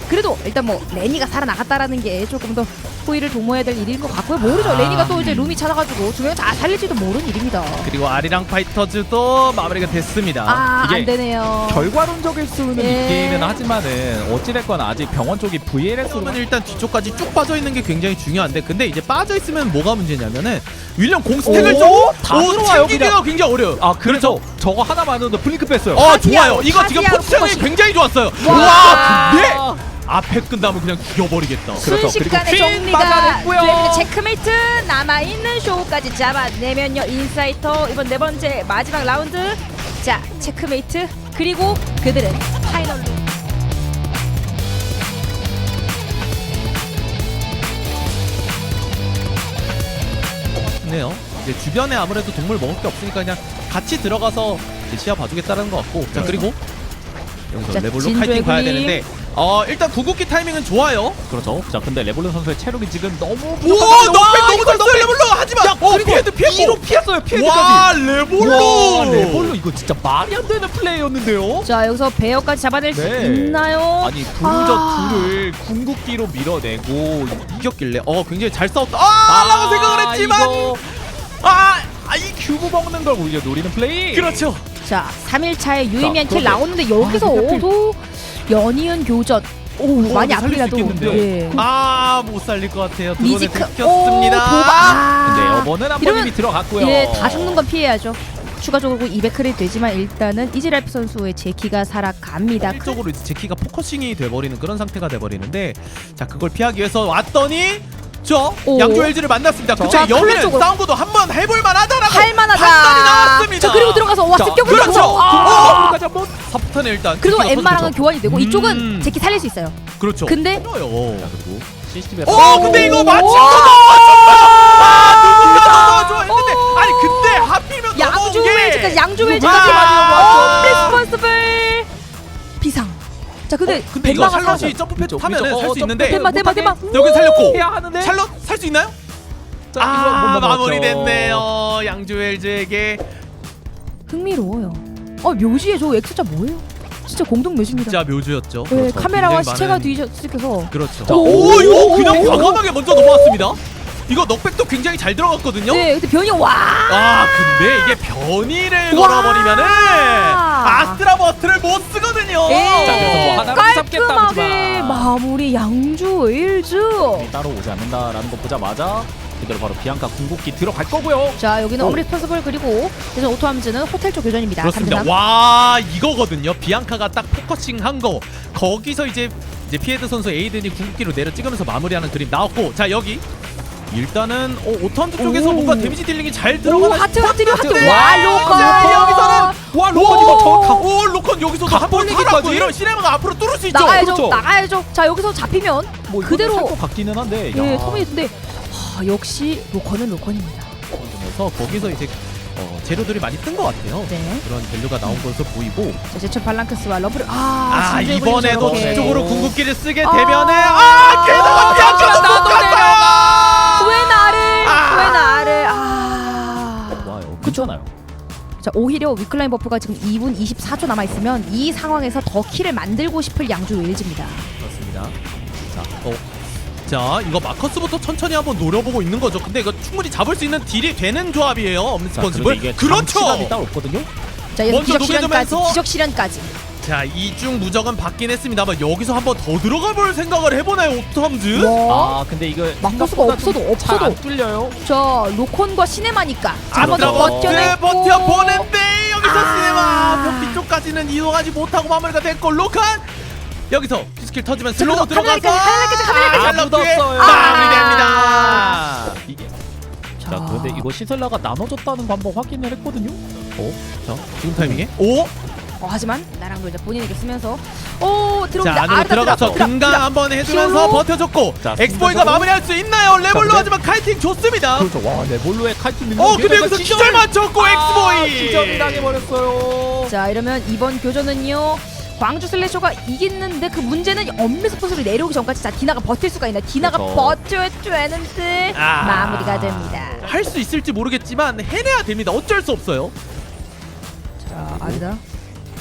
[SPEAKER 1] 그래도 일단 뭐 레니가 살아나갔다라는 게 조금 더 후회를 도모해야 될 일인 것 같고요. 모르죠. 레니가 또 이제 룸이 찾아가지고 두 명 다 살릴지도 모르는 일입니다.
[SPEAKER 2] 그리고 아리랑 파이터즈도 마무리가 됐습니다.
[SPEAKER 1] 아,
[SPEAKER 3] 이게
[SPEAKER 1] 안 되네요.
[SPEAKER 3] 결과론적일 수는
[SPEAKER 1] 예.
[SPEAKER 3] 있기는 하지만은 어찌됐건 아직 병원 쪽이 브이엘에스로
[SPEAKER 2] 그러면 일단 뒤쪽까지 쭉 빠져 있는 게 굉장히 중요한데, 근데 이제 빠져 있으면 뭐가 문제냐면은 윌리엄 공 스택을
[SPEAKER 3] 오,
[SPEAKER 2] 좀
[SPEAKER 3] 다
[SPEAKER 2] 오,
[SPEAKER 3] 들어와요,
[SPEAKER 2] 챙기기가
[SPEAKER 3] 그냥.
[SPEAKER 2] 굉장히 어려요.
[SPEAKER 3] 아 그래서 저거 하나만으로도 블링크 뺐어요.
[SPEAKER 2] 어
[SPEAKER 1] 파티아로,
[SPEAKER 2] 좋아요. 이거 지금
[SPEAKER 1] 파티아로
[SPEAKER 2] 포지션이
[SPEAKER 1] 포커싱.
[SPEAKER 2] 굉장히 좋았어요.
[SPEAKER 1] 와.
[SPEAKER 2] 와 근데 앞에 끝나면 그냥 죽여버리겠다.
[SPEAKER 3] 그렇죠.
[SPEAKER 1] 순식간에
[SPEAKER 3] 그리고 퀸
[SPEAKER 1] 정리가
[SPEAKER 3] 빠져냈고요.
[SPEAKER 1] 됩니다. 체크메이트 남아있는 쇼까지 잡아내면요. 인사이터 이번 네 번째 마지막 라운드. 자 체크메이트 그리고 그들은 파이널로
[SPEAKER 2] 네요. 이제 주변에 아무래도 동물 먹을 게 없으니까 그냥 같이 들어가서 이제 시야 봐주겠다는 것 같고. 자 그리고 여기서
[SPEAKER 1] 자,
[SPEAKER 2] 레볼로
[SPEAKER 1] 진주의
[SPEAKER 2] 카이팅 봐야
[SPEAKER 1] 굴림.
[SPEAKER 2] 되는데 어 일단 궁극기 타이밍은 좋아요.
[SPEAKER 3] 그렇죠. 자 근데 레볼룬 선수의 체력이 지금 너무
[SPEAKER 2] 오
[SPEAKER 3] 부족합니다.
[SPEAKER 2] 넉백
[SPEAKER 3] 와,
[SPEAKER 2] 너무
[SPEAKER 3] 이거
[SPEAKER 2] 잘 레볼로 하지만 어
[SPEAKER 3] 그리고
[SPEAKER 2] 피해도 피했고
[SPEAKER 3] 이로 피했어요. 피해드까지.
[SPEAKER 2] 와 레볼로
[SPEAKER 3] 와 레볼룬 이거 진짜 말이 안 되는 플레이였는데요.
[SPEAKER 1] 자 여기서 베어까지 잡아낼 수
[SPEAKER 3] 네.
[SPEAKER 1] 있나요?
[SPEAKER 3] 아니 둘저
[SPEAKER 1] 아.
[SPEAKER 3] 둘을 궁극기로 밀어내고
[SPEAKER 2] 이겼길래 어 굉장히 잘 싸웠다 아 라고 생각을 했지만
[SPEAKER 3] 이거
[SPEAKER 2] 아 아이
[SPEAKER 3] 큐브 먹는 걸 오히려 노리는 플레이.
[SPEAKER 2] 그렇죠.
[SPEAKER 1] 자 삼 일 차에 유의미한
[SPEAKER 3] 자,
[SPEAKER 1] 킬
[SPEAKER 3] 그런데-
[SPEAKER 1] 나오는데 여기서
[SPEAKER 3] 아, 근데
[SPEAKER 1] 오도 연이은 교전 오
[SPEAKER 3] 어,
[SPEAKER 1] 많이
[SPEAKER 3] 살릴 수
[SPEAKER 1] 아프리라도
[SPEAKER 3] 있겠는데요?
[SPEAKER 1] 예.
[SPEAKER 2] 아 못 살릴 것 같아요. 두 번에
[SPEAKER 1] 미지크 오
[SPEAKER 2] 들켰습니다.
[SPEAKER 1] 도박
[SPEAKER 3] 근데
[SPEAKER 1] 아,
[SPEAKER 3] 여번은 한
[SPEAKER 1] 이러면-
[SPEAKER 3] 번이 들어갔고요.
[SPEAKER 1] 예, 다 죽는 건 피해야죠. 추가적으로 이백 크레딧 되지만 일단은 이즈랄프 선수의 제키가 살아갑니다.
[SPEAKER 2] 일적으로 이제 제키가 포커싱이 돼버리는 그런 상태가 돼버리는데 자 그걸 피하기 위해서 왔더니 저
[SPEAKER 1] 오.
[SPEAKER 2] 양조 엘지를 만났습니다.
[SPEAKER 1] 자,
[SPEAKER 2] 그쵸?
[SPEAKER 1] 클레
[SPEAKER 2] 여기는
[SPEAKER 1] 쪽으로.
[SPEAKER 2] 싸움도 한번 해볼 만하다라고
[SPEAKER 1] 할만하다.
[SPEAKER 2] 판단이 나왔습니다.
[SPEAKER 1] 자 그리고 들어가서 와
[SPEAKER 3] 자,
[SPEAKER 1] 습격을
[SPEAKER 2] 그렇죠.
[SPEAKER 1] 하고 아.
[SPEAKER 3] 까지 한번.
[SPEAKER 2] 사포탄에 일단
[SPEAKER 1] 그리고
[SPEAKER 2] 제키가
[SPEAKER 1] 엠마랑은
[SPEAKER 2] 터지죠.
[SPEAKER 1] 교환이 되고
[SPEAKER 3] 음.
[SPEAKER 1] 이쪽은 제키 살릴 수 있어요.
[SPEAKER 2] 그렇죠.
[SPEAKER 1] 근데
[SPEAKER 2] 싫어요.
[SPEAKER 3] 자 그리고 씨씨티비에
[SPEAKER 2] 어 근데 이거 맞힌 거
[SPEAKER 1] 오.
[SPEAKER 2] 너무 아 누군가 너무 좋아했는데 아니 근데 하필이면
[SPEAKER 1] 양주
[SPEAKER 2] 넘어온 게
[SPEAKER 1] 웰즈까지 양주
[SPEAKER 2] 누가
[SPEAKER 1] 웰즈까지
[SPEAKER 2] 맞아.
[SPEAKER 1] 리스폰스블 비상. 자 근데
[SPEAKER 2] 어, 근데 이거
[SPEAKER 1] 벤마가
[SPEAKER 2] 샬럿이
[SPEAKER 1] 살아서
[SPEAKER 2] 점프 패드
[SPEAKER 3] 위쪽,
[SPEAKER 2] 타면은
[SPEAKER 3] 위쪽.
[SPEAKER 2] 살
[SPEAKER 3] 어,
[SPEAKER 2] 수
[SPEAKER 3] 점프
[SPEAKER 2] 있는데
[SPEAKER 1] 대박 대박 대박.
[SPEAKER 2] 여기 살렸고
[SPEAKER 3] 해야 하는데.
[SPEAKER 2] 샬럿 살 수 있나요?
[SPEAKER 3] 자,
[SPEAKER 2] 아
[SPEAKER 3] 이거 못 넘어갔죠.
[SPEAKER 2] 마무리됐네요. 양주엘즈에게
[SPEAKER 1] 흥미로워요. 어 묘지에 저 X자 뭐예요? 진짜 공동 묘지입니다.
[SPEAKER 2] 진짜 묘주였죠.
[SPEAKER 1] 네,
[SPEAKER 2] 그렇죠.
[SPEAKER 1] 카메라와
[SPEAKER 2] 굉장히
[SPEAKER 1] 시체가
[SPEAKER 2] 많은-
[SPEAKER 1] 뒤섞여서
[SPEAKER 2] 그렇죠.
[SPEAKER 3] 자,
[SPEAKER 2] 오,
[SPEAKER 1] 오,
[SPEAKER 2] 이거
[SPEAKER 1] 오,
[SPEAKER 2] 그냥
[SPEAKER 1] 오,
[SPEAKER 2] 과감하게 먼저 넘어왔습니다. 이거 넉백도 굉장히 잘 들어갔거든요.
[SPEAKER 1] 네, 근데 변이 와.
[SPEAKER 2] 아 근데 이게 변이를
[SPEAKER 1] 와.
[SPEAKER 2] 걸어버리면은 아스트라버스를 못 쓰거든요.
[SPEAKER 1] 예.
[SPEAKER 3] 자, 그래서 뭐 하나를 잡겠다
[SPEAKER 1] 깔끔하게
[SPEAKER 3] 하지만.
[SPEAKER 1] 마무리 양주 일즈.
[SPEAKER 3] 따로 오지 않는다라는 거 보자마자 그대로 바로 비앙카 궁극기 들어갈 거고요.
[SPEAKER 1] 자 여기는
[SPEAKER 3] 오.
[SPEAKER 1] 어브리스폰스블 그리고 그래서 오토함즈는 호텔 쪽 교전입니다.
[SPEAKER 2] 그렇습니다.
[SPEAKER 1] 삼 대 삼.
[SPEAKER 2] 와 이거거든요. 비앙카가 딱 포커싱한 거. 거기서 이제 이제 피에드 선수 에이든이 궁극기로 내려 찍으면서 마무리하는 그림 나왔고 자 여기 일단은 어, 오턴트 쪽에서
[SPEAKER 1] 오.
[SPEAKER 2] 뭔가 데미지 딜링이 잘
[SPEAKER 1] 오
[SPEAKER 2] 들어가는
[SPEAKER 1] 하트 하트 하트.
[SPEAKER 3] 하트.
[SPEAKER 1] 와
[SPEAKER 3] 와,
[SPEAKER 1] 로컨.
[SPEAKER 2] 자, 여기서는
[SPEAKER 3] 와 로건 이거 저 각.
[SPEAKER 2] 오 로컨 여기서도 한 번
[SPEAKER 3] 각벌리기까지?
[SPEAKER 2] 살았고 이런 시네마가 앞으로 뚫을 수 있죠.
[SPEAKER 1] 나가야죠.
[SPEAKER 3] 그렇죠.
[SPEAKER 1] 나가야죠. 자 여기서 잡히면
[SPEAKER 3] 뭐
[SPEAKER 1] 그대로-
[SPEAKER 3] 살것 같기는 한데.
[SPEAKER 1] 예
[SPEAKER 3] 야.
[SPEAKER 1] 터미네이트인데 하, 역시 로컨은 로컨입니다.
[SPEAKER 2] 그래서 거기서 이제 어, 재료들이 많이 뜬 것 같아요.
[SPEAKER 1] 네.
[SPEAKER 2] 그런 밸류가 나온 것으로 보이고
[SPEAKER 1] 자 제철 발랑크스와 러브를 아,
[SPEAKER 2] 아,
[SPEAKER 1] 진주의
[SPEAKER 2] 이번에도
[SPEAKER 1] 굴림 저렇게.
[SPEAKER 2] 뒤쪽으로 궁극기를 쓰게
[SPEAKER 1] 아.
[SPEAKER 2] 되면은 아 게다가 비앙카도
[SPEAKER 1] 나도
[SPEAKER 2] 못 갔어요.
[SPEAKER 1] 왜 나를
[SPEAKER 2] 아.
[SPEAKER 1] 왜 나를 아.
[SPEAKER 3] 좋아요. 괜찮아요.
[SPEAKER 1] 자 오히려 위클라인 버프가 지금 이 분 이십사 초 남아 있으면 이 상황에서 더 킬을 만들고 싶을 양주 웨일즈입니다.
[SPEAKER 2] 그렇습니다. 자, 어. 자, 이거 마커스부터 천천히 한번 노려보고 있는 거죠. 근데 이거 충분히 잡을 수 있는 딜이 되는 조합이에요.
[SPEAKER 3] 자,
[SPEAKER 2] 엄스펀지블.
[SPEAKER 3] 그런데 이게
[SPEAKER 2] 그렇죠.
[SPEAKER 3] 장치감이 따로 없거든요.
[SPEAKER 1] 자 여기서
[SPEAKER 2] 먼저
[SPEAKER 1] 기적 실현까지
[SPEAKER 2] 녹여주면서-
[SPEAKER 1] 기적 실현까지.
[SPEAKER 2] 자, 이중 무적은 받긴 했습니다만 여기서 한번 더 들어가 볼 생각을 해보나요, 오토함즈?
[SPEAKER 1] 와.
[SPEAKER 3] 아 근데 이거
[SPEAKER 1] 마커스가
[SPEAKER 3] 생각보다
[SPEAKER 1] 없어도
[SPEAKER 3] 좀
[SPEAKER 1] 없어도.
[SPEAKER 3] 잘안 뚫려요.
[SPEAKER 1] 저 로콘과 시네마니까 한번 더
[SPEAKER 2] 아스트라버스
[SPEAKER 1] 버텨냈고
[SPEAKER 2] 버텨보는데 여기서
[SPEAKER 1] 아.
[SPEAKER 2] 시네마 벽 뒤쪽까지는 이동하지 못하고 마무리가 됐고 로칸 여기서 피스킬 터지면 슬로우
[SPEAKER 1] 그래도
[SPEAKER 2] 들어가서
[SPEAKER 1] 카메라까지, 카메라까지,
[SPEAKER 2] 아,
[SPEAKER 3] 카메라까지.
[SPEAKER 2] 샬럿의
[SPEAKER 3] 아,
[SPEAKER 2] 마무리됩니다.
[SPEAKER 3] 이게 자 그런데 이거 시셀라가 나눠줬다는 거 한번 확인을 했거든요.
[SPEAKER 2] 어? 자, 지금 타이밍에? 오?
[SPEAKER 1] 어, 하지만 나랑 놀자 본인에게 쓰면서 오
[SPEAKER 2] 자,
[SPEAKER 1] 들어옵니다.
[SPEAKER 2] 안으로
[SPEAKER 1] 아르다
[SPEAKER 2] 들어가서
[SPEAKER 1] 들어가,
[SPEAKER 2] 금강
[SPEAKER 1] 들어가.
[SPEAKER 2] 한번 해주면서
[SPEAKER 1] 히어로.
[SPEAKER 2] 버텨줬고
[SPEAKER 3] 자,
[SPEAKER 2] 엑스보이가
[SPEAKER 3] 순간적으로.
[SPEAKER 2] 마무리할 수 있나요? 레볼로
[SPEAKER 3] 근데-
[SPEAKER 2] 하지만 카이팅 좋습니다.
[SPEAKER 3] 그렇죠. 와 레볼로의 칼트 밀고.
[SPEAKER 2] 어, 근데 여기서 기절 맞췄고 엑스보이!
[SPEAKER 3] 기절이 당해버렸어요.
[SPEAKER 1] 자 이러면 이번 교전은요 광주 슬래셔가 이기는데 그 문제는 엄밀 스포츠로 내려오기 전까지 자 디나가 버틸 수가 있나 디나가
[SPEAKER 3] 그렇죠.
[SPEAKER 1] 버텨야 되는데
[SPEAKER 2] 아.
[SPEAKER 1] 마무리가 됩니다.
[SPEAKER 2] 할 수 있을지 모르겠지만 해내야 됩니다. 어쩔 수 없어요.
[SPEAKER 1] 자 아니다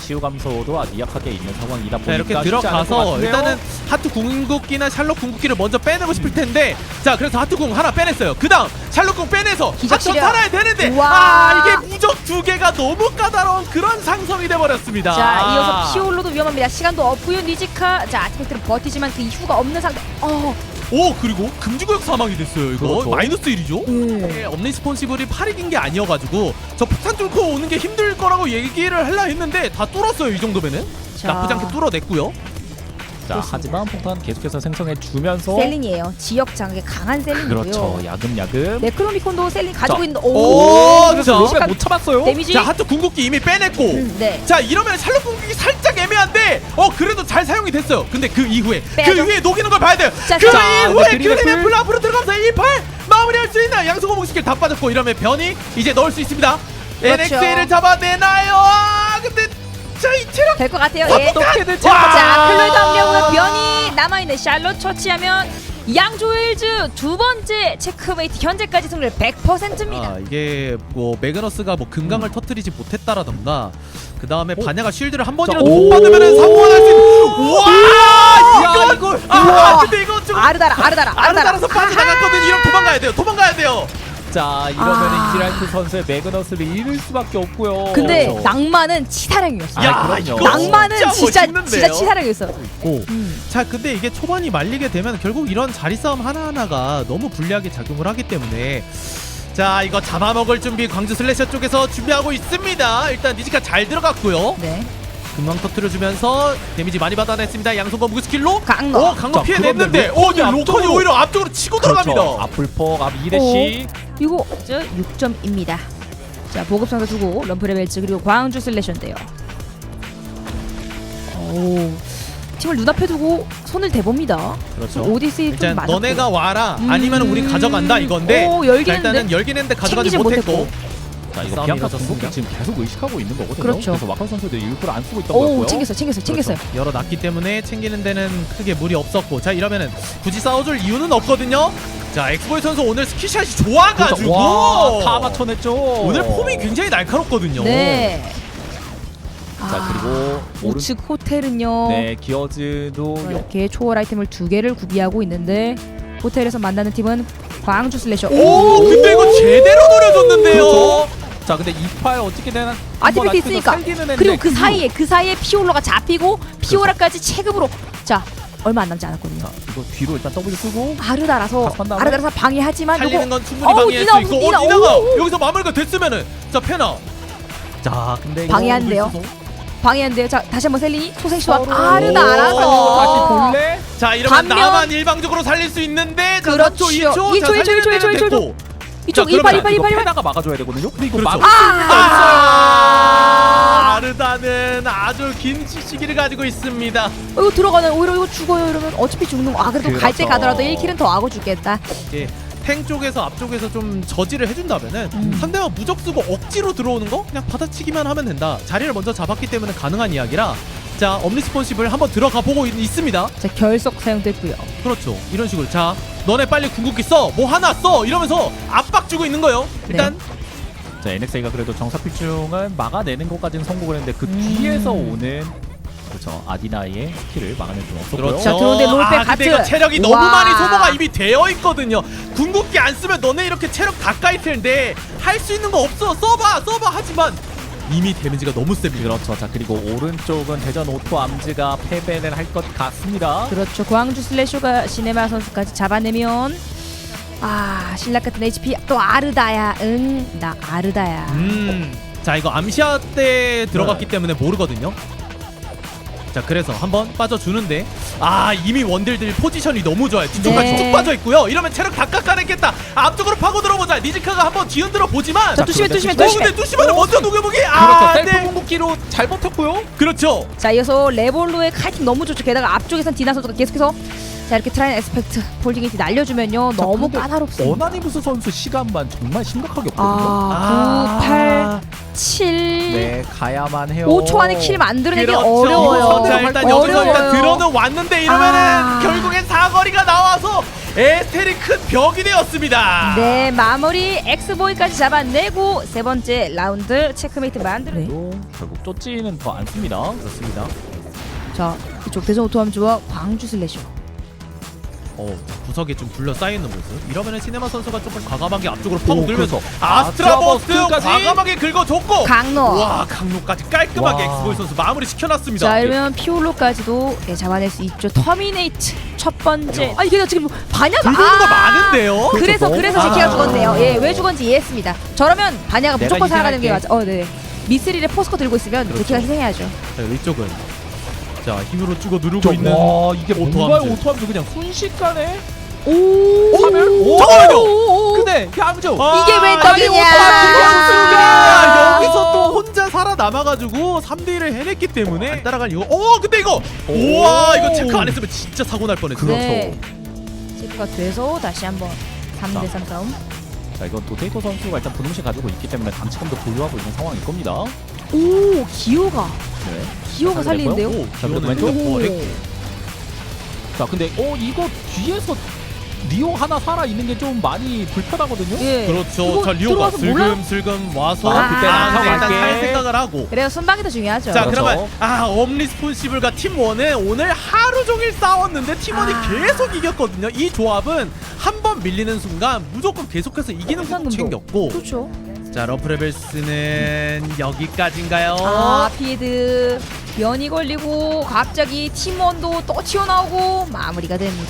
[SPEAKER 3] 치유 감소도 아주 약하게 있는 상황이다
[SPEAKER 2] 자,
[SPEAKER 3] 보니까
[SPEAKER 2] 이렇게
[SPEAKER 3] 쉽지 않을 것
[SPEAKER 2] 들어가서
[SPEAKER 3] 같은데요.
[SPEAKER 2] 일단은 하트 궁극기나 샬롯 궁극기를 먼저 빼내고 싶을 텐데 자 그래서 하트 궁 하나 빼냈어요. 그 다음 샬롯 궁 빼내서
[SPEAKER 1] 기적
[SPEAKER 2] 하트
[SPEAKER 1] 시력.
[SPEAKER 2] 살아야 되는데
[SPEAKER 1] 우와.
[SPEAKER 2] 아 이게 무적 두 개가 너무 까다로운 그런 상성이 돼버렸습니다.
[SPEAKER 1] 자 이어서 피올로도 위험합니다. 시간도 없고요. 니지카 자 아티팩트를 버티지만 그 이후가 없는 상태. 어.
[SPEAKER 2] 오 그리고 금지구역 사망이 됐어요. 이거
[SPEAKER 3] 그렇죠.
[SPEAKER 2] 마이너스 일이죠.
[SPEAKER 1] 음.
[SPEAKER 2] 엄니스폰시블이 팔 익인 게 아니어가지고 저 폭탄 뚫고 오는 게 힘들 거라고 얘기를 하려 했는데 다 뚫었어요. 이 정도면은
[SPEAKER 1] 자.
[SPEAKER 2] 나쁘지 않게 뚫어냈고요.
[SPEAKER 3] 자, 하지만 폭탄 계속해서 생성해 주면서
[SPEAKER 1] 셀린이에요. 지역 장악에 강한 셀린이고요.
[SPEAKER 3] 그렇죠. 야금야금.
[SPEAKER 1] 네크로미콘도 셀린 가지고
[SPEAKER 3] 자.
[SPEAKER 1] 있는데
[SPEAKER 2] 오,
[SPEAKER 1] 오.
[SPEAKER 2] 그래서
[SPEAKER 3] 왜 못 참았어요?
[SPEAKER 1] 데미지.
[SPEAKER 2] 자 하트 궁극기 이미 빼냈고
[SPEAKER 1] 음, 네.
[SPEAKER 2] 자 이러면 샬롯 궁극기 살짝 애매한데 어 그래도 잘 사용이 됐어요. 근데 그 이후에
[SPEAKER 1] 빼야죠.
[SPEAKER 2] 그 이후에 녹이는 걸 봐야 돼요.
[SPEAKER 1] 자,
[SPEAKER 2] 그
[SPEAKER 1] 자,
[SPEAKER 2] 이후에
[SPEAKER 3] 근데 그린애플.
[SPEAKER 2] 그린애플 앞으로 들어가면서 일 팔 마무리할 수 있나. 양성호목 스킬 다 빠졌고 이러면 변이 이제 넣을 수 있습니다.
[SPEAKER 1] 그렇죠.
[SPEAKER 2] 엔엑스에이를 잡아내나요? 아 근데 자이 체력
[SPEAKER 1] 될 것 같아요. 예.
[SPEAKER 3] 어떻게든
[SPEAKER 1] 자 클로이드 합류하고요. 변이 남아있는 샬롯 처치하면 양조일즈 두 번째 체크메이트 현재까지 승률 백 퍼센트입니다.
[SPEAKER 2] 아 이게 뭐 매그너스가 뭐 금강을 터뜨리지 못했다라던가 그 다음에 반야가 쉴드를 한 번이라도
[SPEAKER 3] 자,
[SPEAKER 2] 못
[SPEAKER 3] 오.
[SPEAKER 2] 받으면 사고가 날 수 있는 와
[SPEAKER 3] 야,
[SPEAKER 2] 이거
[SPEAKER 3] 이거-
[SPEAKER 2] 아
[SPEAKER 1] 우와.
[SPEAKER 2] 근데 이거 좀
[SPEAKER 1] 아르다라 아르다라 아르다라.
[SPEAKER 2] 아르다라서 빠져나갔거든. 이러면 도망가야 돼요. 도망가야 돼요.
[SPEAKER 3] 자, 이러면
[SPEAKER 1] 아.
[SPEAKER 3] 이지랄트 선수의 매그너스를 잃을 수밖에 없고요.
[SPEAKER 1] 근데
[SPEAKER 3] 그렇죠.
[SPEAKER 1] 낭만은 치사량이었어.
[SPEAKER 3] 야,
[SPEAKER 1] 요
[SPEAKER 3] 그럼요.
[SPEAKER 2] 이거
[SPEAKER 1] 낭만은
[SPEAKER 2] 진짜
[SPEAKER 1] 진짜
[SPEAKER 2] 멋있는데요?
[SPEAKER 1] 진짜 치사량이었어.
[SPEAKER 2] 오.
[SPEAKER 1] 음.
[SPEAKER 2] 자 근데 이게 초반이 말리게 되면 결국 이런 자리 싸움 하나하나가 너무 불리하게 작용을 하기 때문에 자 이거 잡아먹을 준비 광주 슬래셔 쪽에서 준비하고 있습니다. 일단 니지카 잘 들어갔고요.
[SPEAKER 1] 네.
[SPEAKER 2] 금방 터트려주면서 데미지 많이 받아냈습니다. 양손과 무기 스킬로
[SPEAKER 1] 강로.
[SPEAKER 2] 오 강로
[SPEAKER 3] 자,
[SPEAKER 2] 피해냈는데
[SPEAKER 3] 그런데
[SPEAKER 2] 오 근데
[SPEAKER 3] 로컨이
[SPEAKER 2] 로컨이
[SPEAKER 3] 앞쪽으로-
[SPEAKER 2] 오히려 앞쪽으로 치고
[SPEAKER 3] 그렇죠.
[SPEAKER 2] 들어갑니다.
[SPEAKER 3] 앞불폭, 앞 이대시.
[SPEAKER 1] 이거 저 육 점입니다. 자 보급 상자 주고 럼프레벨츠 그리고 광주 슬래셔인데요. 오 팀을 눈앞에 두고 손을 대봅니다.
[SPEAKER 2] 그렇죠.
[SPEAKER 1] 오디세이 좀
[SPEAKER 2] 일단
[SPEAKER 1] 맞았고.
[SPEAKER 2] 너네가 와라
[SPEAKER 1] 음.
[SPEAKER 2] 아니면 우리 가져간다 이건데
[SPEAKER 1] 오, 열긴
[SPEAKER 2] 자, 일단은
[SPEAKER 1] 했는데
[SPEAKER 2] 열긴 했는데 가져가지
[SPEAKER 1] 챙기지
[SPEAKER 2] 못했고
[SPEAKER 1] 못했고.
[SPEAKER 3] 자, 이거
[SPEAKER 2] 싸움이
[SPEAKER 3] 비앙카
[SPEAKER 2] 이어졌습니다.
[SPEAKER 3] 궁극기 지금 계속 의식하고 있는 거거든요.
[SPEAKER 1] 그렇죠.
[SPEAKER 3] 그래서 와카 선수도 일부러 안 쓰고 있던
[SPEAKER 1] 오
[SPEAKER 3] 거고요.
[SPEAKER 1] 챙겼어 챙겼어 챙겼어요.
[SPEAKER 2] 그렇죠. 열어놨기 때문에 챙기는 데는 크게 무리 없었고 자 이러면은 굳이 싸워줄 이유는 없거든요. 자 엑스보이 선수 오늘 스키샷이 좋아가지고
[SPEAKER 3] 그렇죠. 와, 다 맞춰냈죠.
[SPEAKER 2] 오늘 폼이 굉장히 날카롭거든요.
[SPEAKER 1] 네.
[SPEAKER 3] 자, 그리고 오른
[SPEAKER 1] 우측 호텔은요.
[SPEAKER 3] 네, 기어즈도
[SPEAKER 1] 이렇게 초월 아이템을 두 개를 구비하고 있는데 호텔에서 만나는 팀은 광주 슬래셔.
[SPEAKER 2] 오 근데 이거 제대로 노려줬는데요.
[SPEAKER 3] 그렇죠. 자, 근데 이팔 어떻게 되나?
[SPEAKER 1] 아티팩트 있으니까. 그리고 그 사이에 그 사이에 피올로가 잡히고 피오라까지 체급으로 자 얼마 안 남지 않았거든요.
[SPEAKER 3] 자, 이거 뒤로 일단 W 쓰고
[SPEAKER 1] 아르다라서
[SPEAKER 3] 가서 한 다음에?
[SPEAKER 1] 아르다라서 방해하지만
[SPEAKER 2] 살리는
[SPEAKER 1] 요거
[SPEAKER 2] 건 충분히
[SPEAKER 1] 어우,
[SPEAKER 2] 방해할
[SPEAKER 1] 니나,
[SPEAKER 2] 수 있고
[SPEAKER 1] 니나,
[SPEAKER 2] 어 니나가
[SPEAKER 1] 오.
[SPEAKER 2] 여기서 마무리가 됐으면은 자 페나
[SPEAKER 3] 자, 근데 이거
[SPEAKER 1] 방해한대요.
[SPEAKER 3] 있어서
[SPEAKER 1] 방해한대요. 자 다시 한번 셀린이 소생 시도한
[SPEAKER 3] 서로
[SPEAKER 1] 아르다
[SPEAKER 2] 오.
[SPEAKER 1] 알아서
[SPEAKER 3] 다시 볼래?
[SPEAKER 2] 자 이러면
[SPEAKER 1] 반면-
[SPEAKER 2] 나만 일방적으로 살릴 수 있는데 자
[SPEAKER 1] 그렇죠.
[SPEAKER 2] 삼 초 이 초
[SPEAKER 1] 이 초, 이 초, 이 초, 이 초, 이 초, 이 초. 이쪽
[SPEAKER 2] 자,
[SPEAKER 1] 이팔
[SPEAKER 2] 그러면
[SPEAKER 1] 이팔
[SPEAKER 3] 이거
[SPEAKER 1] 이팔 이팔.
[SPEAKER 3] 페나가 막아줘야 되거든요. 근데 이거
[SPEAKER 2] 그렇죠.
[SPEAKER 3] 막
[SPEAKER 1] 아!
[SPEAKER 2] 아르다는 아주 긴 시기를 가지고 있습니다.
[SPEAKER 1] 어, 이거 들어가는 오히려 이거 죽어요 이러면 어차피 죽는 거. 아 그래도 갈 때
[SPEAKER 3] 그렇죠.
[SPEAKER 1] 가더라도 일 킬은 더 하고 죽겠다.
[SPEAKER 2] 이제 탱 쪽에서 앞쪽에서 좀 저지를 해준다면은
[SPEAKER 1] 음.
[SPEAKER 2] 상대가 무적 쓰고 억지로 들어오는 거 그냥 받아치기만 하면 된다. 자리를 먼저 잡았기 때문에 가능한 이야기라 자 엄니스폰시블 한번 들어가 보고 있, 있습니다.
[SPEAKER 1] 자 결석 사용됐고요.
[SPEAKER 2] 그렇죠. 이런 식으로 자 너네 빨리 궁극기 써 뭐 하나 써 이러면서 압박 주고 있는 거예요. 일단
[SPEAKER 3] 자, 엔엑스에이가 그래도 정사필중을 막아내는 것까지는 성공을 했는데 그
[SPEAKER 1] 음.
[SPEAKER 3] 뒤에서 오는 그렇죠. 아디나의 스킬을 막아낼 수는 없었고요.
[SPEAKER 2] 그렇죠.
[SPEAKER 1] 자, 들어오는데 롤백
[SPEAKER 2] 아, 근데
[SPEAKER 1] 하트.
[SPEAKER 2] 이거 체력이
[SPEAKER 1] 와.
[SPEAKER 2] 너무 많이 소모가 이미 되어 있거든요. 궁극기 안 쓰면 너네 이렇게 체력 가까이 텐데 할 수 있는 거 없어. 써봐, 써봐. 하지만 이미 데미지가 너무 셉니다.
[SPEAKER 3] 그렇죠. 자, 그리고 오른쪽은 대전 오토 암즈가 패배를 할 것 같습니다.
[SPEAKER 1] 그렇죠. 광주 슬래쇼가 시네마 선수까지 잡아내면 아 신락 같은 에이치피 또 아르다야. 응 나 아르다야.
[SPEAKER 2] 음, 자 이거 암시아 때 들어갔기
[SPEAKER 3] 네.
[SPEAKER 2] 때문에 모르거든요. 자 그래서 한번 빠져주는데 아 이미 원딜들 포지션이 너무 좋아요. 뒤쪽까지
[SPEAKER 1] 네.
[SPEAKER 2] 쭉 빠져있고요. 이러면 체력 다 깎아냈겠다. 앞쪽으로 파고 들어보자. 니지카가 한번 뒤흔들어 보지만
[SPEAKER 1] 자 뚜시맨 뚜시맨
[SPEAKER 2] 어
[SPEAKER 1] 뚜시맨.
[SPEAKER 2] 근데 뚜시만을 먼저 녹여보기
[SPEAKER 3] 그렇죠.
[SPEAKER 2] 아
[SPEAKER 3] 셀프
[SPEAKER 2] 네.
[SPEAKER 3] 궁극기로 잘 버텼고요.
[SPEAKER 2] 그렇죠.
[SPEAKER 1] 자 이어서 레볼로의 카이팅 너무 좋죠. 게다가 앞쪽에선 디나 선수가 계속해서 자 이렇게 트라이앤 에스펙트 폴딩게이트 날려주면요
[SPEAKER 3] 자,
[SPEAKER 1] 너무
[SPEAKER 3] 근데
[SPEAKER 1] 까다롭습니다.
[SPEAKER 3] 어나니무스 선수 시간만 정말 심각하게 없거든요.
[SPEAKER 1] 아, 구, 팔, 칠
[SPEAKER 3] 네, 가야만 해요.
[SPEAKER 1] 오 초 안에 킬 만들어내기
[SPEAKER 2] 그렇죠.
[SPEAKER 1] 어려워요.
[SPEAKER 2] 자 일단 여기서 일단
[SPEAKER 1] 어려워요.
[SPEAKER 2] 들어는 왔는데 이러면은
[SPEAKER 1] 아.
[SPEAKER 2] 결국엔 사거리가 나와서 에스텔이 큰 벽이 되었습니다.
[SPEAKER 1] 네, 마무리 엑스보이까지 잡아내고 세 번째 라운드 체크메이트 만들어. 네.
[SPEAKER 3] 또 결국 쪼찌는 더 안 씁니다.
[SPEAKER 2] 그렇습니다.
[SPEAKER 1] 자, 이쪽 대전 오토함주와 광주 슬래셔.
[SPEAKER 2] 어, 구석에 좀 둘러싸여 있는 모습. 이러면은 시네마 선수가 조금 과감하게 앞쪽으로
[SPEAKER 3] 오,
[SPEAKER 2] 파고들면서
[SPEAKER 3] 그래서
[SPEAKER 2] 아스트라 버스트
[SPEAKER 3] 아스트라버스트까지?
[SPEAKER 2] 과감하게 긁어줬고
[SPEAKER 1] 강로.
[SPEAKER 2] 와, 강로까지 깔끔하게
[SPEAKER 3] 와.
[SPEAKER 2] 엑스보이 선수 마무리 시켜놨습니다.
[SPEAKER 1] 자, 이러면 피올로까지도 예, 잡아낼 수 있죠. 터미네이트 첫 번째.
[SPEAKER 2] 야.
[SPEAKER 1] 아, 이게 지금 반야가
[SPEAKER 2] 긁는 거 많은데요.
[SPEAKER 1] 그래서
[SPEAKER 3] 그렇죠.
[SPEAKER 1] 그래서
[SPEAKER 2] 아.
[SPEAKER 1] 제키가 죽었네요. 예, 왜 죽었는지 이해했습니다. 저러면 반야가
[SPEAKER 3] 내가
[SPEAKER 1] 무조건 살아가는 게
[SPEAKER 3] 희생할게.
[SPEAKER 1] 맞아. 어, 네. 미스릴의 포스코 들고 있으면
[SPEAKER 2] 그렇죠.
[SPEAKER 1] 제키가 희생해야죠.
[SPEAKER 2] 자, 이쪽은 자, 힘으로 찍어 누르고
[SPEAKER 3] 저,
[SPEAKER 2] 있는
[SPEAKER 3] 와 이게 뭔가요?
[SPEAKER 2] 오토함즈.
[SPEAKER 3] 오토함즈 그냥 순식간에
[SPEAKER 1] 오,
[SPEAKER 3] 화면? 오!
[SPEAKER 2] 잠깐만요.
[SPEAKER 3] 근데 향주
[SPEAKER 2] 아,
[SPEAKER 1] 이게 왜
[SPEAKER 2] 이게
[SPEAKER 1] 떡이냐?
[SPEAKER 2] 오토함즈가 여기서 또 혼자 살아남아가지고 삼 대 일을 해냈기 때문에 안 따라갈 이거. 어, 근데 이거
[SPEAKER 3] 오.
[SPEAKER 2] 우와, 이거 체크 안 했으면 진짜 사고 날 뻔했어요.
[SPEAKER 1] 네. 체크가 돼서 다시 한번 삼 대 삼 싸움.
[SPEAKER 3] 자 이건 도테이토 선수가 일단 분홍시 가지고 있기 때문에 단체감도 보유하고 있는 상황일 겁니다.
[SPEAKER 1] 오, 기호가
[SPEAKER 3] 네.
[SPEAKER 1] 기호가 살리는데요.
[SPEAKER 2] 오,
[SPEAKER 3] 자, 그래도
[SPEAKER 2] 기호는
[SPEAKER 3] 왼쪽?
[SPEAKER 2] 어, 했고.
[SPEAKER 3] 자 근데 어 이거 뒤에서 리오 하나 살아 있는 게 좀 많이 불편하거든요.
[SPEAKER 1] 예.
[SPEAKER 2] 그렇죠.
[SPEAKER 1] 이거
[SPEAKER 2] 자, 리오가
[SPEAKER 1] 들어와서 몰라요?
[SPEAKER 2] 슬금슬금 와서
[SPEAKER 3] 아, 그때는
[SPEAKER 2] 아,
[SPEAKER 3] 안
[SPEAKER 2] 일단
[SPEAKER 3] 갈게.
[SPEAKER 2] 할 생각을 하고.
[SPEAKER 1] 그래요. 순방이 더 중요하죠.
[SPEAKER 2] 자,
[SPEAKER 3] 그렇죠.
[SPEAKER 2] 그러면 아, 엄리스폰시블과 팀원은 오늘 하루 종일 싸웠는데 팀원이
[SPEAKER 1] 아.
[SPEAKER 2] 계속 이겼거든요. 이 조합은 한 번 밀리는 순간 무조건 계속해서 이기는 거
[SPEAKER 1] 상금도.
[SPEAKER 2] 챙겼고.
[SPEAKER 1] 그렇죠.
[SPEAKER 2] 자, 러프레벨스는 여기까지인가요?
[SPEAKER 1] 아, 피드 변이 걸리고 갑자기 팀원도 또 튀어나오고 마무리가 됩니다.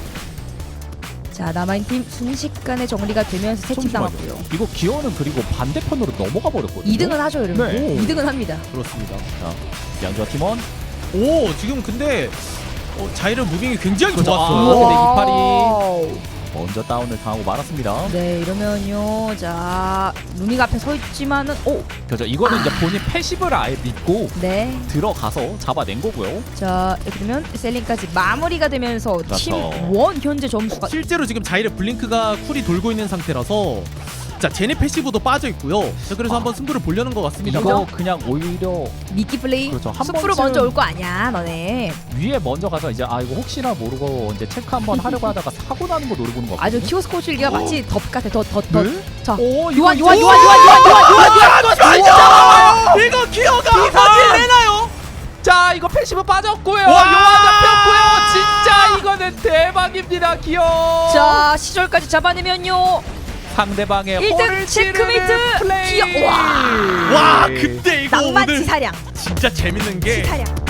[SPEAKER 1] 자, 남아있는 팀 순식간에 정리가 되면서 세팀 당했고요.
[SPEAKER 3] 이거 기어는 그리고 반대편으로 넘어가 버렸거든요.
[SPEAKER 1] 이 등은 하죠, 여러분.
[SPEAKER 3] 네.
[SPEAKER 1] 이 등은 합니다.
[SPEAKER 2] 그렇습니다.
[SPEAKER 3] 자 양주와 팀원.
[SPEAKER 2] 오, 지금 근데 어, 자이런 무빙이 굉장히
[SPEAKER 3] 그렇죠.
[SPEAKER 2] 좋았어요.
[SPEAKER 3] 아, 근데 이팔이
[SPEAKER 1] 와우.
[SPEAKER 3] 먼저 다운을 당하고 말았습니다.
[SPEAKER 1] 네, 이러면요. 자, 루미가 앞에 서 있지만은 오,
[SPEAKER 3] 그렇죠. 이거는 이제 본인 패시브를 아예 믿고
[SPEAKER 1] 네.
[SPEAKER 3] 들어가서 잡아낸 거고요.
[SPEAKER 1] 자, 이렇게 되면 셀링까지 마무리가 되면서
[SPEAKER 3] 그렇죠.
[SPEAKER 1] 팀원 현재 점수가
[SPEAKER 2] 실제로 지금 자이르 블링크가 쿨이 돌고 있는 상태라서 자, 제네 패시브도 빠져 있고요. 자, 그래서
[SPEAKER 3] 아.
[SPEAKER 2] 한번 승부를 보려는 것 같습니다.
[SPEAKER 3] 이거 그냥 오히려
[SPEAKER 1] 미끼 플레이
[SPEAKER 3] 그렇죠. 한
[SPEAKER 1] 숲으로
[SPEAKER 3] 번쯤-
[SPEAKER 1] 먼저 올 거 아니야, 너네.
[SPEAKER 3] 위에 먼저 가서 이제 아 이거 혹시나 모르고 이제 체크 한번 하려고 하다가 사고 나는 거 노리고 있는 거
[SPEAKER 1] 아주
[SPEAKER 3] 같거든요.
[SPEAKER 1] 키오스코 줄기가 마치 덧 같아, 덧, 덧, 덧.
[SPEAKER 3] 네?
[SPEAKER 1] 자,
[SPEAKER 3] 오,
[SPEAKER 1] 요한,
[SPEAKER 3] 이거
[SPEAKER 1] 요한,
[SPEAKER 3] 이제-
[SPEAKER 1] 요한, 요한, 요한, 요한, 요한, 요한.
[SPEAKER 2] 아, 진짜 이거 기어가 이사질 내나요?
[SPEAKER 3] 자 이거 패시브 빠졌고요.
[SPEAKER 2] 와!
[SPEAKER 3] 요한 잡혔고요. 진짜 이거는 대박입니다. 기어.
[SPEAKER 1] 자, 시절까지 잡아내면요.
[SPEAKER 3] 상대방의
[SPEAKER 1] 일 등
[SPEAKER 3] 홀을
[SPEAKER 1] 체크메이트!
[SPEAKER 3] 찌르는 플레이.
[SPEAKER 1] 기어- 와!
[SPEAKER 2] 와, 근데 이거
[SPEAKER 1] 낭만
[SPEAKER 2] 오늘
[SPEAKER 1] 치사량,
[SPEAKER 2] 진짜 재밌는 게
[SPEAKER 1] 치사량.